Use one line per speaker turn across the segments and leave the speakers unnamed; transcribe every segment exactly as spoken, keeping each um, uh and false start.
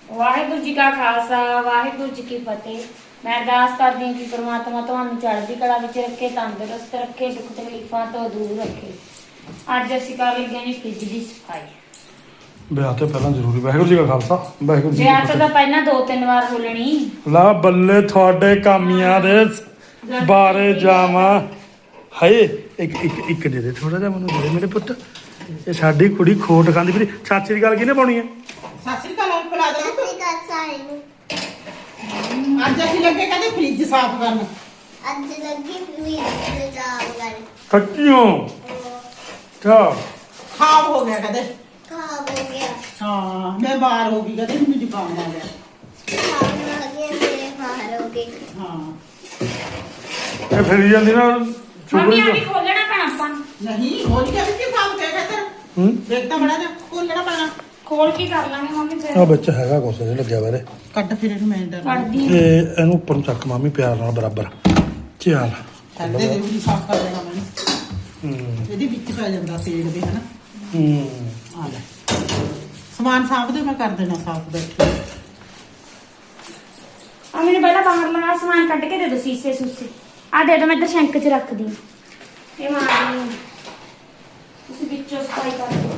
ਵਾਹਿਗੁਰੂ ਜੀ ਕਾ ਖਾਲਸਾ ਵਾਹਿਗੁਰੂ ਜੀ ਕੀ ਫਤਿਹ। ਮੈਂ ਅਰਦਾਸ ਕਰਦੀ ਹਾਂ ਕਿ ਪ੍ਰਮਾਤਮਾ ਤੁਹਾਨੂੰ ਚੜ੍ਹਦੀ ਕਲਾ ਵਿੱਚ ਰੱਖੇ, ਤੰਦਰੁਸਤ ਰੱਖੇ, ਦੁੱਖ ਤਕਲੀਫਾਂ ਤੋਂ ਦੂਰ ਰੱਖੇ। ਅੱਜ ਅਸੀਂ ਕਰ ਲੱਗੇ ਹਾਂ ਫ੍ਰਿਜ ਦੀ ਸਫਾਈ।
ਵਿਆਹ ਤੋਂ ਪਹਿਲਾਂ ਜ਼ਰੂਰੀ। ਵਾਹਿਗੁਰੂ ਜੀ ਕਾ ਖਾਲਸਾ ਵਾਹਿਗੁਰੂ ਜੀ ਕੀ
ਵਿਆਹ ਤੋਂ ਤਾਂ
ਫਤਿਹ।
ਪਹਿਲਾਂ ਦੋ ਤਿੰਨ ਵਾਰ ਬੋਲਣੀ।
ਲਾ ਬੱਲੇ ਤੁਹਾਡੇ ਕਾਮੀਆਂ ਦੇ ਬਾਰੇ ਜਾਵਾਂ। ਹਾਏ ਇੱਕ ਇੱਕ ਇੱਕ ਦੇ ਦੇ ਥੋੜਾ ਜਿਹਾ ਮੈਨੂੰ ਦੇ ਦੇ ਮੇਰੇ ਪੁੱਤ। ਇਹ ਸਾਡੀ ਕੁੜੀ ਖੋਟ ਖਾਂਦੀ ਫਿਰ ਚਾਚੀ ਦੀ ਗੱਲ ਕਿਹਨੇ ਪਾਉਣੀ ਹੈ?
ਸਤਿ ਸ੍ਰੀ ਅਕਾਲ ਬੁਲਾ ਦੇ ਅੱਜ ਅਸੀਂ ਲੱਗੇ ਕਹਿੰਦੇ ਫ੍ਰਿਜ ਸਾਫ਼ ਕਰਨ।
ਅੱਜ ਲੱਗੀ ਫ੍ਰਿਜ ਸਾਫ਼ ਕਰਨ।
ਸੱਚੀਓ ਚਾ
ਖਾਬ ਹੋ ਗਿਆ ਕਹਿੰਦੇ।
ਖਾਬ ਹੋ ਗਿਆ।
ਹਾਂ ਮੈਂ ਬਾਹਰ ਹੋ ਗਈ ਕਹਿੰਦੇ ਮੈਨੂੰ ਜ਼ੁਕਾਮ ਆ ਗਿਆ।
ਖਾਬ ਆ ਗਿਆ ਮੇਰੇ ਬਾਹਰ ਹੋ ਗਏ।
ਹਾਂ
ਇਹ ਫਿਰ ਜਾਂਦੀ ਨਾ
ਮੰਮੀ
ਚੁਗਲੀ
ਆ ਵੀ ਖੋਲਣਾ ਪੈਣਾ ਆਪਾਂ ਨੂੰ।
ਨਹੀਂ ਹੋ ਗਿਆ ਵੀ ਸਾਫ਼ ਕਿਆ ਕਹਿੰਦੇ
ਹੂੰ
ਦੇਖ ਤਾਂ ਬੜਾ ਜਾ ਖੋਲਣਾ ਪੈਣਾ।
ਖੋਲ ਕੇ ਕਰ ਲਾਂਗੇ ਮੰਮੀ ਫਿਰ।
ਆ ਵਿੱਚ ਹੈਗਾ ਕੁਛ ਇਹ ਲੱਗਿਆ ਵਾ ਇਹਦੇ।
ਕੱਢ ਫਿਰ ਇਹਨੂੰ ਮੈਂ ਡਰ
ਕੱਢਦੀ
ਤੇ ਇਹਨੂੰ ਉੱਪਰ ਨੂੰ ਚੱਕ ਮਾਮੀ ਪਿਆਰ ਨਾਲ ਬਰਾਬਰ ਚੱਲ।
ਕਰਦੇ ਦੇ ਵੀ ਸਾਫ਼ ਕਰ ਦੇਣਾ ਮੈਨੂੰ।
ਹੂੰ
ਇਹਦੇ ਵਿੱਚ ਪੈ ਜਾਂਦਾ ਤੇਲ ਦੇ ਹਨਾ।
ਹੂੰ
ਆ ਲੈ ਸਮਾਨ ਸਾਫ਼ ਦੇ ਮੈਂ ਕਰ ਦੇਣਾ ਸਾਫ਼ ਬੈਠ ਕੇ।
ਆ ਮੈਨੂੰ ਪਹਿਲਾਂ ਬਾਹਰ ਲਗਾ ਸਮਾਨ ਕੱਢ ਕੇ ਦੇ ਦੋ ਸੀਸੇ ਸੂਸੇ। ਆ ਦੇ ਦੋ ਮੈਂ ਇੱਧਰ ਸ਼ੈਂਕ 'ਚ ਰੱਖਦੀ ਹਾਂ। ਇਹ ਮਾਰਨੀ ਆ। ਤੁਸੀਂ ਵਿੱਚੋਂ ਸਫਾਈ ਕਰ ਦਿਓ।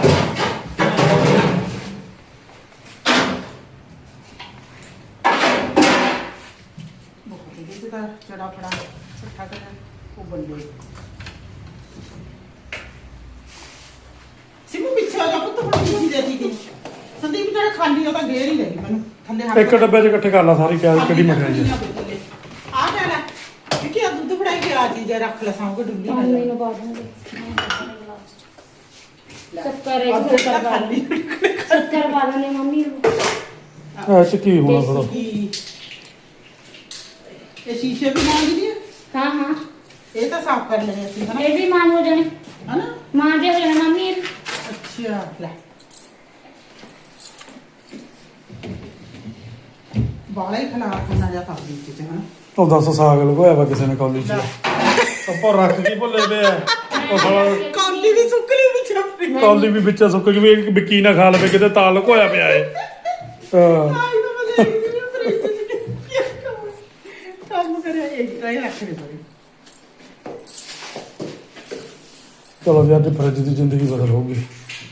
ਬਹੁਤ ਇਹਦੇ ਦਾ ਚੜਾ ਫੜਾ ਇਕੱਠਾ ਕਰ ਉਹ ਬੰਦੇ ਸਿਮੂ ਪਿੱਛੇ ਆ ਜਾ ਪੁੱਤ ਹੁਣ ਕੀ ਦੇ ਦਿੱਤੀ ਸੰਦੀਪ ਜਿਹੜਾ ਖਾਲੀ ਉਹ ਤਾਂ ਗੇਰ ਹੀ ਰਹੀ ਮੈਨੂੰ ਥੱਲੇ ਹੱਥ
ਇੱਕ ਡੱਬੇ 'ਚ ਇਕੱਠੇ ਕਰ ਲਾ ਸਾਰੀ ਕਿਆ ਕਿਹੜੀ ਮਠਿਆਈ ਹੈ।
ਆ ਜਾ ਲੈ ਕਿ ਆ ਦੁੱਧ ਫੜਾਈ ਕੇ ਆ ਚੀਜ਼ ਰੱਖ ਲੈ ਸਾਂਭ ਕੇ ਡੁੱਲੀ
ਹਾਂ ਮੈਨੂੰ ਬਾਅਦ ਵਿੱਚ ਸ਼ੱਕਰ ਹੈ ਸ਼ੱਕਰ ਪਾ
ਖਾਲੀ
ਸ਼ੱਕਰ ਪਾ ਦਨੇ ਮੰਮੀ ਨੂੰ।
ਐ ਚ ਕੀ ਹੋਣਾ ਥੋੜਾ
ਇਹ ਸ਼ੀਸ਼ੇ ਵੀ ਮੰਗਦੀ ਹੈ
ਹਾਂ ਹਾਂ
ਇਹ ਤਾਂ ਸਾਫ਼ ਕਰ ਲੈਣੇ ਅਸੀਂ ਹਨਾ
ਇਹ ਵੀ ਮਾਨ ਹੋ ਜਾਣੇ।
ਹਨਾ
ਮਾਂ ਦੇ ਹੋ ਜਾਣੇ ਮੰਮੀ ਇਹ।
ਅੱਛਾ ਲੈ ਬਾਲਾ ਹੀ ਖਲਾ ਕਰਨਾ ਜਾ ਕਰ ਦਿੱਤੀ ਤੇ ਹਨਾ
ਉਹ ਦੱਸ ਸਾਗ ਲਗੋਇਆ ਵਾ ਕਿਸੇ ਨੇ ਕੌਲੀ 'ਚ ਉੱਪਰ ਰੱਖ ਕੇ ਭੁੱਲੇ ਪਏ ਆ ਉਹ ਸਾਲਾ
ਕੌਲੀ ਵੀ ਸੁੱਕਲੀ ਵੀ ਛੱਪੀ
ਕੌਲੀ ਵੀ ਵਿੱਚ ਸੁੱਕ ਗਈ ਵੀ ਵਿੱਕੀ ਨਾ ਖਾ ਲਵੇ ਕਿਤੇ ਤਾਂ ਲਗੋਇਆ ਪਿਆ ਏ ਹਾਂ
ਆਈ ਤਾਂ ਮੈਂ ਦੇਖਦੀ ਨਹੀਂ ਫ੍ਰਿਜ ਚ ਕੀ ਕੰਮ ਕਰਿਆ ਇਹ ਟਰਾਈ ਰੱਖ ਦੇ ਬੜੀ
ਚਲੋ ਜੀ ਅੱਜ ਫਰਿੱਜ ਦੀ ਜ਼ਿੰਦਗੀ ਬਦਲ ਹੋਊਗੀ।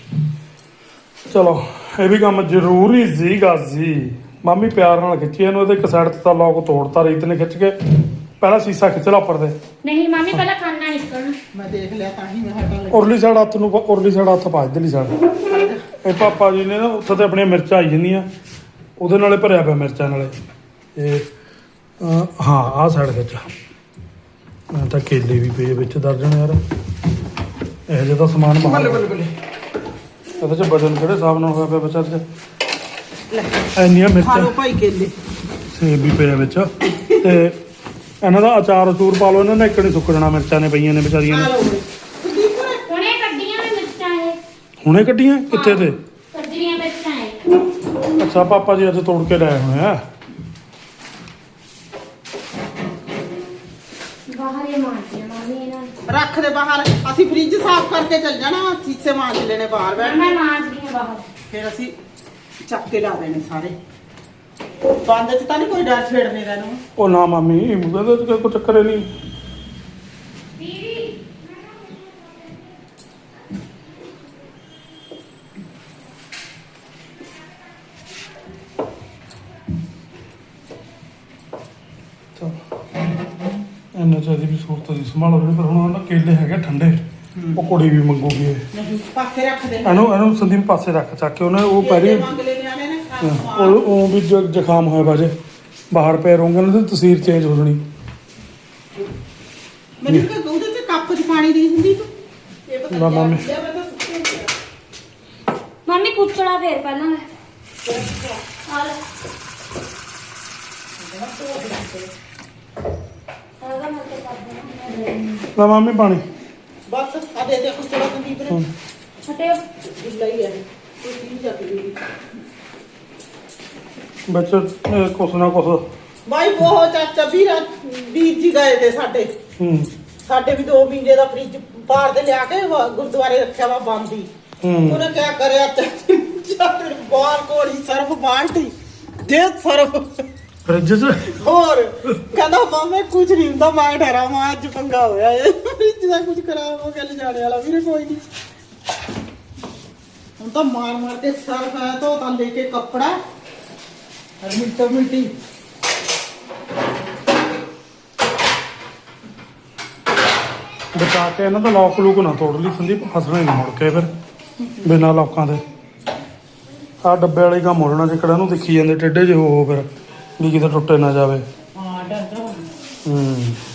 ਚਲੋ ਇਹ ਵੀ ਕੰਮ ਜ਼ਰੂਰੀ ਸੀਗਾ ਜੀ। ਮਾਮੀ ਪਿਆਰ ਨਾਲ ਖਿੱਚੀ ਇਹਨੂੰ ਇਹਦੇ ਇੱਕ ਸਾਈਡ ਤੇ ਤਾਂ ਲੋਕ ਤੋੜਤਾ ਰੀਤ ਨੇ ਖਿੱਚ ਕੇ ਪਹਿਲਾਂ ਸੀਸਾ ਖਿੱਚ ਲਾ ਉੱਪਰ ਦੇ।
ਨਹੀਂ ਮੰਮੀ ਪਹਿਲਾਂ ਖਾਣਾ ਨਿਕਲਣਾ।
ਮੈਂ ਦੇਖ ਲਿਆ ਤਾਂ ਹੀ ਮੈਂ ਹਟਾ ਲਿਆ
ਉਰਲੀ ਸਾਈਡ ਹੱਥ ਨੂੰ ਉਰਲੀ ਸਾਈਡ ਹੱਥ ਪਾ ਇਧਰਲੀ ਸਾਈਡ। ਇਹ ਪਾਪਾ ਜੀ ਨੇ ਨਾ ਉੱਥੇ ਤੇ ਆਪਣੀਆਂ ਮਿਰਚਾਂ ਆਈ ਜਾਂਦੀਆਂ ਉਹਦੇ ਨਾਲੇ ਭਰਿਆ ਪਿਆ ਮਿਰਚਾਂ ਨਾਲੇ ਇਹ ਅਹ, ਹਾਂ ਆਹ ਸਾਈਡ ਵਿੱਚ ਮੈਂ ਤਾਂ ਕੇਲੇ ਵੀ ਪਏ ਵਿੱਚ ਦਰਜਣ ਯਾਰ ਇਹੋ ਜਿਹਾ ਤਾਂ ਸਮਾਨ ਬਾਹਰ
ਬੱਲੇ ਬੱਲੇ ਬੱਲੇ
ਇਹਦੇ ਚ ਵਜਨ ਕਿਹੜੇ ਹਿਸਾਬ ਨਾਲ ਹੋਇਆ ਪਿਆ ਬੱਚਾ ਚ
ਲੈ
ਇੰਨੀਆਂ
ਖਾ
ਮਿਰਚਾਂ
ਲਓ ਭਾਈ ਕੇਲੇ
ਸੇਬ ਵੀ ਪਿਆ ਵਿੱਚ ਤੇ ਇਹਨਾਂ ਦਾ ਅਚਾਰ ਅਚੂਰ ਪਾ ਲਓ ਇਹਨਾਂ ਨੇ ਇੱਕ ਨਹੀਂ ਸੁੱਕ ਜਾਣਾ ਮਿਰਚਾਂ ਨੇ ਪਈਆਂ ਨੇ ਵਿਚਾਰੀਆਂ
ਆ
ਨੇ
ਲਓ ਸੰਦੀਪ
ਹੁਣੇ ਕੱਢੀਆਂ ਨੇ ਮਿਰਚਾਂ ਇਹ।
ਹੁਣੇ ਕੱਢੀਆਂ ਕਿੱਥੇ ਤੇ
ਕੱਢੀਆਂ ਮਿਰਚਾਂ ਇਹ।
ਅੱਛਾ ਪਾਪਾ ਜੀ ਅੱਜ ਤੋੜ ਕੇ ਲਾਏ ਹੋਏ ਆ
ਬਾਹਰ ਹੀ ਮਾਰਦੀਆਂ ਮੰਮੀ ਇਹਨਾਂ ਨੂੰ।
ਰੱਖ ਦੇ ਬਾਹਰ ਅਸੀਂ ਫ੍ਰਿਜ ਸਾਫ਼ ਕਰਕੇ ਚੱਲ ਜਾਣਾ ਸੀਸੇ ਮਾਂਜ ਲੈਣੇ ਬਾਹਰ ਬੈਠ
ਮੈਂ ਮਾਰਦੀ ਹਾਂ ਬਾਹਰ।
ਫਿਰ ਅਸੀਂ ਚੱਕ ਕੇ ਲਾ ਦੇਣੇ ਸਾਰੇ ਬੰਦ ਚ ਤਾਂ ਨਹੀਂ ਕੋਈ ਡਰ ਛੇੜਨੇ ਦਾ ਨੂੰ
ਉਹ ਨਾ ਮਾਮੀ ਇਹਦੇ ਚ ਕੋਈ ਚੱਕਰ ਹੀ ਨਹੀਂ
ਦੀਦੀ
ਇੰਨੇ ਚਾਹੀਦੀ ਵੀ ਸੂਰਤ ਦੀ ਸੰਭਾਲੋ ਜਿਹੜੇ ਪਰ ਹੁਣ ਉਹਨਾਂ ਕੇਲੇ ਹੈਗੇ ਠੰਡੇ ਉਹ ਕੁੜੀ ਵੀ ਮੰਗੂਗੀ ਇਹ।
ਨਹੀਂ ਪਾਸੇ ਰੱਖ ਦੇ
ਇਹਨੂੰ ਇਹਨੂੰ ਸੰਦੀਪ ਪਾਸੇ ਰੱਖ ਚੱਕ ਕੇ ਉਹਨੇ ਉਹ ਪਹਿਲੇ
ਮੰਗ ਲੈ ਨਿਆਣੇ ਨੇ
ਉਹ ਉਹ ਵੀ ਜ- ਜ਼ੁਕਾਮ ਹੋਇਆ ਬਾਜੇ ਬਾਹਰ ਪੈ ਰਹੂੰਗੇ ਨਾ ਤੇ ਤਸਵੀਰ ਚੇਂਜ ਹੋ ਜਾਣੀ।
ਮੈਨੂੰ ਕਿ ਉਹਦੇ ਤੇ ਕੱਪ ਚ ਪਾਣੀ ਦੀ ਹੁੰਦੀ ਤੂੰ ਇਹ ਪਤਾ
ਨਾ ਮੰਮੀ।
ਮੈਂ ਤਾਂ ਸੁੱਤੇ ਪਿਆ
ਮੰਮੀ ਕੁਚਲਾ ਫੇਰ ਪਹਿਲਾਂ ਮੈਂ ਆ ਲੈ ਆਗਾ ਮੈਂ ਤੇ ਕਰ ਦੇਣਾ।
ਲੈ ਮਾਮੀ ਪਾਣੀ
ਬਸ ਆ ਦੇ ਦੇ ਕੁਛ ਥੋੜਾ ਸੰਦੀਪ ਨੇ
ਹਟਿਓ
ਢਿੱਲਾ ਹੀ ਹੈ ਕੋਈ ਚੀਜ਼ ਆ ਗਈ
ਵਿੱਚ ਅਹ, ਕੁਛ ਨਾ ਕੁਛ
ਬਾਈ ਬਹੁਤ ਚਾਚਾ ਵੀਰਾ ਵੀਰ ਜੀ ਗਏ ਤੇ ਸਾਡੇ
ਹੂੰ
ਸਾਡੇ ਵੀ ਦੋ ਮਹੀਨੇ ਦਾ ਫ੍ਰਿਜ ਬਾਹਰ ਦੇ ਲਿਆ ਕੇ ਵਾ- ਗੁਰਦੁਆਰੇ ਰੱਖਿਆ ਵਾ ਬੰਦ ਹੀ
ਹੂੰ
ਉਹਨੇ ਕਿਆ ਕਰਿਆ ਚਾਚੇ ਬਾਹਰ ਕੋਲੀ ਸਰਫ ਬਾਲਟੀ ਦੇ ਸਰਫ
ਫ੍ਰਿਜ 'ਚ
ਹੋਰ ਕਹਿੰਦਾ ਮਾਮੇ ਕੁਝ ਨਹੀਂ ਹੁੰਦਾ ਮੈਂ ਡਰਾ ਮੈਂ ਅੱਜ ਪੰਗਾ ਹੋਇਆ ਏ ਫ੍ਰਿਜ ਦਾ ਕੁਝ ਖਰਾਬ ਹੋ ਗਿਆ ਲਿਜਾਣੇ ਵਾਲਾ ਵੀਰੇ ਕੋਈ ਨਹੀਂ ਹੁਣ ਤਾਂ ਮਾਰ ਮਾਰ ਕੇ ਸਰਫ ਆਇਆ ਤਾਂ ਤਾਂ ਲੈ ਕੇ ਕੱਪੜਾ ਹਰ ਮਿੰਟੋ ਮਿੰਟੀ
ਬਚਾ ਕੇ ਇਹਨਾਂ ਦਾ ਲੋਕ ਲੂਕ ਨਾ ਤੋੜ ਲਈ ਸੰਦੀਪ ਫਸਣਾ ਹੀ ਨਾ ਮੁੜ ਕੇ ਫਿਰ ਬਿਨਾਂ ਲੋਕਾਂ ਦੇ ਆਹ ਡੱਬੇ ਵਾਲੇ ਕੰਮ ਹੋ ਜਾਣਾ ਜਿਹੜਾ ਇਹਨੂੰ ਦੇਖੀ ਜਾਂਦੇ ਟੇਢੇ ਜਿਹੇ ਹੋ ਫਿਰ ਵੀ ਕਿਤੇ ਟੁੱਟੇ ਨਾ ਜਾਵੇ
ਹਾਂ ਡਰਦਾ
ਹੂੰ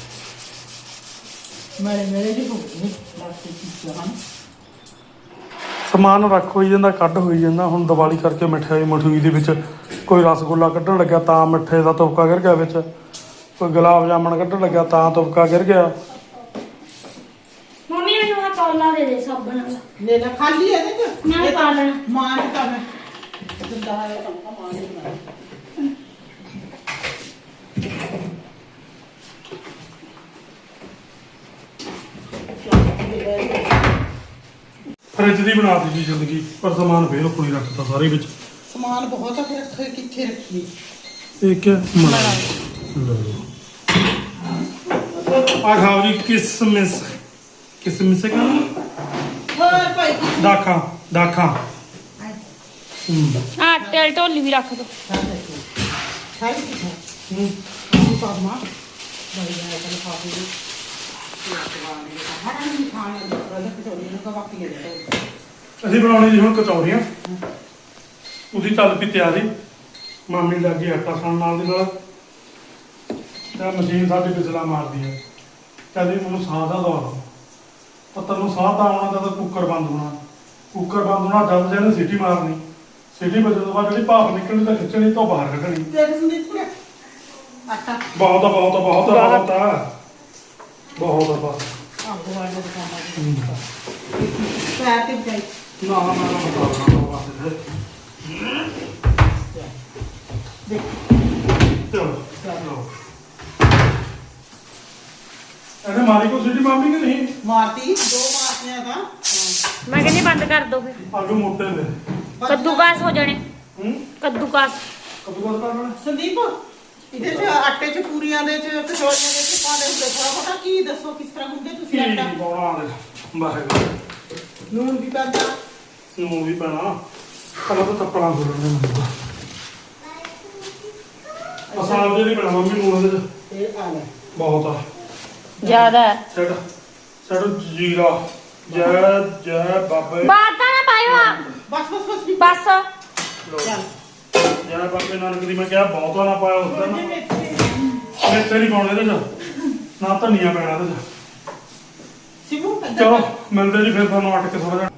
ਮੇਰੇ ਮੇਰੇ ਜੀ ਹੋ ਗਈ ਲਾਸਟ ਚੀਜ਼ ਹਨ
ਸਮਾਨ ਰੱਖ ਹੋਈ ਜਾਂਦਾ ਕੱਢ ਹੋਈ ਜਾਂਦਾ ਹੁਣ ਦੀਵਾਲੀ ਕਰਕੇ ਮਠਿਆਈ ਮਠੂਈ ਦੇ ਵਿੱਚ ਕੋਈ ਰਸਗੁੱਲਾ ਕੱਢਣ ਲੱਗਿਆ ਤਾਂ ਮਿੱਠੇ ਦਾ ਤੁਪਕਾ ਗਿਰ ਗਿਆ ਵਿੱਚ ਕੋਈ ਗੁਲਾਬ ਜਾਮਣ ਕੱਢਣ ਲੱਗਿਆ ਤਾਂ ਤੁਪਕਾ ਗਿਰ ਗਿਆ
ਮੰਮੀ ਮੈਨੂੰ ਆ ਕੌਲਾ ਦੇ ਦੇ ਸਾਬਣ ਵਾਲਾ
ਲੈ ਲੈ ਖਾਲੀ ਇਹਦੇ ਚ
ਮੈਂ ਪਾ ਲੈਣਾ
ਮਾਂ ਨੇ ਤਾਂ ਮੈਂ ਜਿੰਦਾ ਹੈ ਤਾਂ ਮਾਂ ਨੇ ਬਣਾਇਆ
ਫਰਿੱਜ ਦੀ ਬਣਾ ਦਿੱਤੀ ਜ਼ਿੰਦਗੀ ਪਰ ਸਮਾਨ ਫੇਰ ਕੋਈ ਰੱਖਤਾ ਸਾਰੇ ਵਿੱਚ
ਸਮਾਨ ਬਹੁਤ ਆ ਫਿਰ ਰੱਖੇ ਕਿੱਥੇ ਰੱਖੀਏ
ਇਹ ਕਿਆ ਮਲਾਈ ਆ ਖਾਓ ਜੀ ਕਿਸਮਿਸ ਕਿਸਮਿਸ ਕਹਿੰਦਾ
ਹੋਰ ਭਾਈ ਕੀ
ਦਾਖਾਂ ਦਾਖਾਂ ਹੂੰ
ਆ ਟੇਲ ਢੋਲੀ ਵੀ ਰੱਖ ਦੋ
ਖਾਈ ਕਿੱਥੇ
ਹੂੰ
ਕੀ ਪਾਵਾਂ ਬੜੀ ਹੈ ਤਾਂ ਖਾਪੀ ਦੀ ਹਰਾਂ ਨਹੀਂ ਖਾਣੇ ਦਾ ਰੋਜ਼ ਕਚੌੜੀ ਨੂੰ ਕਵਾਕੀ ਦੇ ਦੋ
ਅਸੀਂ ਬਣਾਉਣੀ ਜੀ ਹੁਣ ਕਚੌਰੀਆਂ ਉਹਦੀ ਚੱਲ ਪਈ ਤਿਆਰੀ ਮਾਮੀ ਲੱਗੀ ਆਟਾ ਸਾਣ ਨਾਲ ਦੀ ਨਾਲ ਤਾਂ ਮਸ਼ੀਨ ਸਾਡੀ ਬਿਜਲਾ ਮਾਰਦੀ ਹੈ ਕਹਿੰਦੀ ਮੈਨੂੰ ਸਾਹ ਦਾ ਦਵਾ ਦਿਓ ਤਾਂ ਤੈਨੂੰ ਸਾਹ ਤਾਂ ਆਉਣਾ ਤਾਂ ਕੁੱਕਰ ਬੰਦ ਹੋਣਾ ਕੁੱਕਰ ਬੰਦ ਹੋਣਾ ਜਦ ਜਿਹਨੇ ਸੀਟੀ ਮਾਰਨੀ ਸੀਟੀ ਵੱਜਣ ਤੋਂ ਬਾਅਦ ਜਿਹੜੀ ਭਾਫ ਨਿਕਲਣੀ ਤਾਂ ਖਿੱਚਣੀ ਤੋਂ ਬਾਹਰ ਕੱਢਣੀ
ਤੇਰੇ ਸੰਦੀਪ ਕੁੜੇ ਆਟਾ
ਬਹੁਤ ਆ ਬਹੁਤ ਆ ਬਹੁਤ ਆ ਬਹੁਤ ਆ ਬਹੁਤ ਆ ਬਸ
ਆ ਗੋਆ ਦੇ ਕੰਮ ਆ ਪੈਰ ਤੇ ਜਾਈ
ਨਾ ਨਾ ਨਾ ਨਾ ਨਾ ਬਸ
ਦੇਖ
ਚਲੋ ਚਲੋ ਇਹਨੇ ਮਾਰੀ ਕੋ ਸਿੱਟੀ ਮਾਮੀ ਕਿ ਨਹੀਂ
ਮਾਰਤੀ ਦੋ ਮਾਰਤੀਆਂ ਤਾਂ
ਮੈਂ ਕਹਿੰਦੀ ਬੰਦ ਕਰ ਦੋ ਫਿਰ
ਆਲੂ ਮੋਟੇ ਨੇ
ਕੱਦੂਕਾਸ ਹੋ ਜਾਣੇ
ਹੂੰ
ਕੱਦੂਕਾਸ
ਕਦੋਂ ਬਾਅਦ ਕਰਨਾ
ਸੰਦੀਪ ਇਹਦੇ ਚ ਆਟੇ ਚ ਪੂਰੀਆਂ ਦੇ ਚ ਕਚੌਰੀਆਂ ਦੇ ਚ ਪਾਉਂਦੇ ਹੁੰਦੇ ਥੋੜਾ ਬਹੁਤਾ ਕੀ ਦੱਸੋ ਕਿਸ ਤਰ੍ਹਾਂ ਹੁੰਦੇ ਤੁਸੀਂ
ਕੀ
ਆਟਾ
ਪਾਉਣਾ ਦੇ ਵਾਹਿਗੁਰੂ
ਨੂਨ ਵੀ ਪੈਂਦਾ
ਨੂੰ ਵੀ ਪੈਣਾ ਪਹਿਲਾਂ ਤਾਂ ਤੱਪਣਾ ਖੋਲਣੇ ਮੈਨੂੰ ਅਸਾਲ ਦੇ ਨਹੀਂ ਪੈਣਾ ਮੰਮੀ ਨੂੰ ਉਹਦੇ ਚ
ਇਹ ਆ ਲੈ
ਬਹੁਤ ਆ
ਜ਼ਿਆਦਾ
ਛੱਡ ਛੱਡ ਜੀਰਾ ਜੈ ਜੈ ਬਾਬੇ
ਬਾਤਾਂ ਨਾ ਪਾਇਓ ਆ
ਬਸ ਬਸ ਬਸ ਵੀ
ਬਸ
ਲਓ। ਜੈ ਬਾਬੇ ਨਾਨਕ ਦੀ ਮੈਂ ਕਿਹਾ ਬਹੁਤਾ ਨਾ ਪਾਇਆ ਉਸ ਦਿਨ ਮੇਥੇ ਨਹੀਂ ਪਾਉਣੇ ਇਹਦੇ ਚ ਨਾ ਧਨੀਆ ਪੈਣਾ ਇਹਦੇ ਚ
ਸਿਮੂ
ਚਲੋ ਮਿਲਦੇ ਜੀ ਫਿਰ ਤੁਹਾਨੂੰ ਅੱਟ ਕੇ ਥੋੜਾ ਜਿਹਾ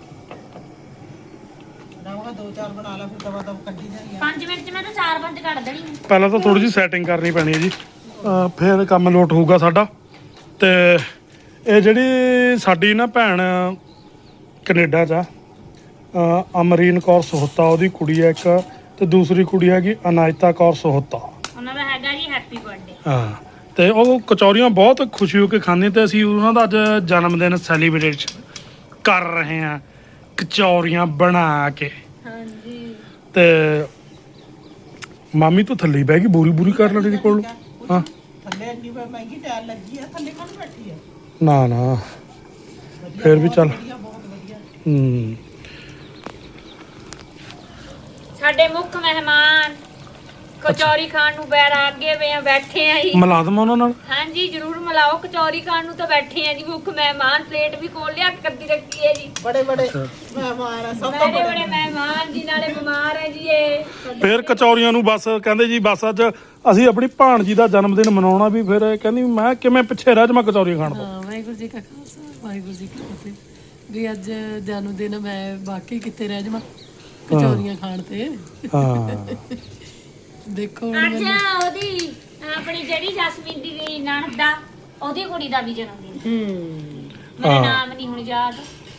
ਰਵਾਂਗਾ ਦੋ ਚਾਰ ਬਣਾ ਲਾ ਫਿਰ ਦਵਾ ਦਵ ਕੱਢੀ ਜਾਈਏ
ਪੰਜ ਮਿੰਟ ਚ ਮੈਂ ਤਾਂ ਚਾਰ ਪੰਜ ਕੱਢ ਦੇਣੀ
ਪਹਿਲਾਂ ਤਾਂ ਥੋੜੀ ਜਿਹੀ ਸੈਟਿੰਗ ਕਰਨੀ ਪੈਣੀ ਹੈ ਜੀ ਅਹ ਫਿਰ ਕੰਮ ਲੋਟ ਹੋਊਗਾ ਸਾਡਾ ਤੇ ਇਹ ਜਿਹੜੀ ਸਾਡੀ ਨਾ ਭੈਣ ਕੈਨੇਡਾ 'ਚ ਆ ਅਹ ਅਮਰੀਨ ਕੌਰ ਸੋਹਤਾ ਉਹਦੀ ਕੁੜੀ ਹੈ ਇੱਕ ਤੇ ਦੂਸਰੀ ਕੁੜੀ ਹੈਗੀ ਅਨਾਇਤਾ ਕੌਰ ਸੋਹਤਾ
ਉਹਨਾਂ ਦਾ ਹੈਗਾ ਜੀ ਹੈਪੀ ਬਰਥਡੇ
ਹਾਂ ਤੇ ਉਹ ਕਚੌਰੀਆਂ ਬਹੁਤ ਖੁਸ਼ੀ ਹੋ ਕੇ ਖਾਂਦੇ ਤੇ ਅਸੀਂ ਉਹਨਾਂ ਦਾ ਅੱਜ ਜਨਮ ਦਿਨ ਸੈਲੀਬ੍ਰੇਟ ਕਰ ਰਹੇ ਹਾਂ ਕਚੌਰੀਆਂ ਬਣਾ ਕੇ
ਹਾਂਜੀ
ਤੇ ਮਾਮੀ ਤੋਂ ਥੱਲੇ ਬਹਿ ਗਈ ਬੂਰੀ ਬੂਰੀ ਕਰ ਲੈਣੀ ਕੋਲ ਹਾਂ
ਥੱਲੇ ਇੰਨੀ ਮਹਿੰਗੀ ਟਾਇਲ ਲੱਗੀ ਆ ਥੱਲੇ ਕੌਣ ਬੈਠੀ ਆ
ਨਾ ਨਾ ਫਿਰ ਵੀ ਚੱਲ
ਵਧੀਆ ਬਹੁਤ ਵਧੀਆ
ਹੂੰ
ਸਾਡੇ ਮੁੱਖ ਮਹਿਮਾਨ ਕਚੌਰੀ ਖਾਣ ਨੂੰ ਬੈਠ ਅੱਗੇ ਵੇ ਆ ਬੈਠੇ ਆ ਜੀ
ਮਿਲਾ ਦਵਾਂ ਉਹਨਾਂ ਨਾਲ
ਹਾਂਜੀ ਜਰੂਰ ਮਿਲਾਓ ਕਚੌਰੀ ਖਾਣ ਨੂੰ ਤਾਂ ਬੈਠੇ ਆ ਜੀ ਮੁੱਖ ਮਹਿਮਾਨ ਪਲੇਟ ਵੀ ਖੋਲ ਲਿਆ ਕੱਦੀ ਰੱਖੀ ਹੈ ਜੀ
ਬੜੇ ਬੜੇ
ਅੱਛਾ।
ਮਹਿਮਾਨ ਆ ਸਭ ਤੋਂ
ਬੜੇ
ਬੜੇ
ਬੜੇ ਮਹਿਮਾਨ ਜੀ ਨਾਲੇ ਬਿਮਾਰ ਹੈ ਜੀ ਇਹ
ਫਿਰ ਕਚੌਰੀਆਂ ਨੂੰ ਬਸ ਕਹਿੰਦੇ ਜੀ ਬਸ ਅੱਜ ਅਸੀਂ ਆਪਣੀ ਭਾਣਜੀ ਦਾ ਜਨਮ ਦਿਨ ਮਨਾਉਣਾ ਵੀ ਫਿਰ ਇਹ ਕਹਿੰਦੀ ਮੈਂ ਕਿਵੇਂ ਪਿੱਛੇ ਰਹਿ ਜਾਵਾਂ ਕਚੌਰੀਆਂ ਖਾਣ ਤੋਂ
ਹਾਂ ਵਾਹਿਗੁਰੂ ਜੀ ਕਾ ਖਾਲਸਾ ਵਾਹਿਗੁਰੂ ਜੀ ਕੀ ਫਤਿਹ ਵੀ ਅੱਜ ਜਨਮ ਦਿਨ ਮੈਂ ਬਾਕੀ ਕਿੱਥੇ ਰਹਿ ਜਾਵਾਂ ਕਚੌਰੀਆਂ ਖਾਣ ਤੇ
ਹਾਂ
ਦੇਖੋ ਹੁਣ
ਅੱਜ
ਮੈਨੂੰ
ਉਹਦੀ ਆਪਣੀ ਜਿਹੜੀ ਜਸਮੀਨ ਦੀ ਨਣਦ ਦਾ ਉਹਦੀ ਕੁੜੀ ਦਾ ਵੀ ਜਨਮ ਦਿਨ
ਹੂੰ
ਮੇਰਾ
ਹਾਂ।
ਨਾਮ ਨਹੀਂ ਹੁਣ ਯਾਦ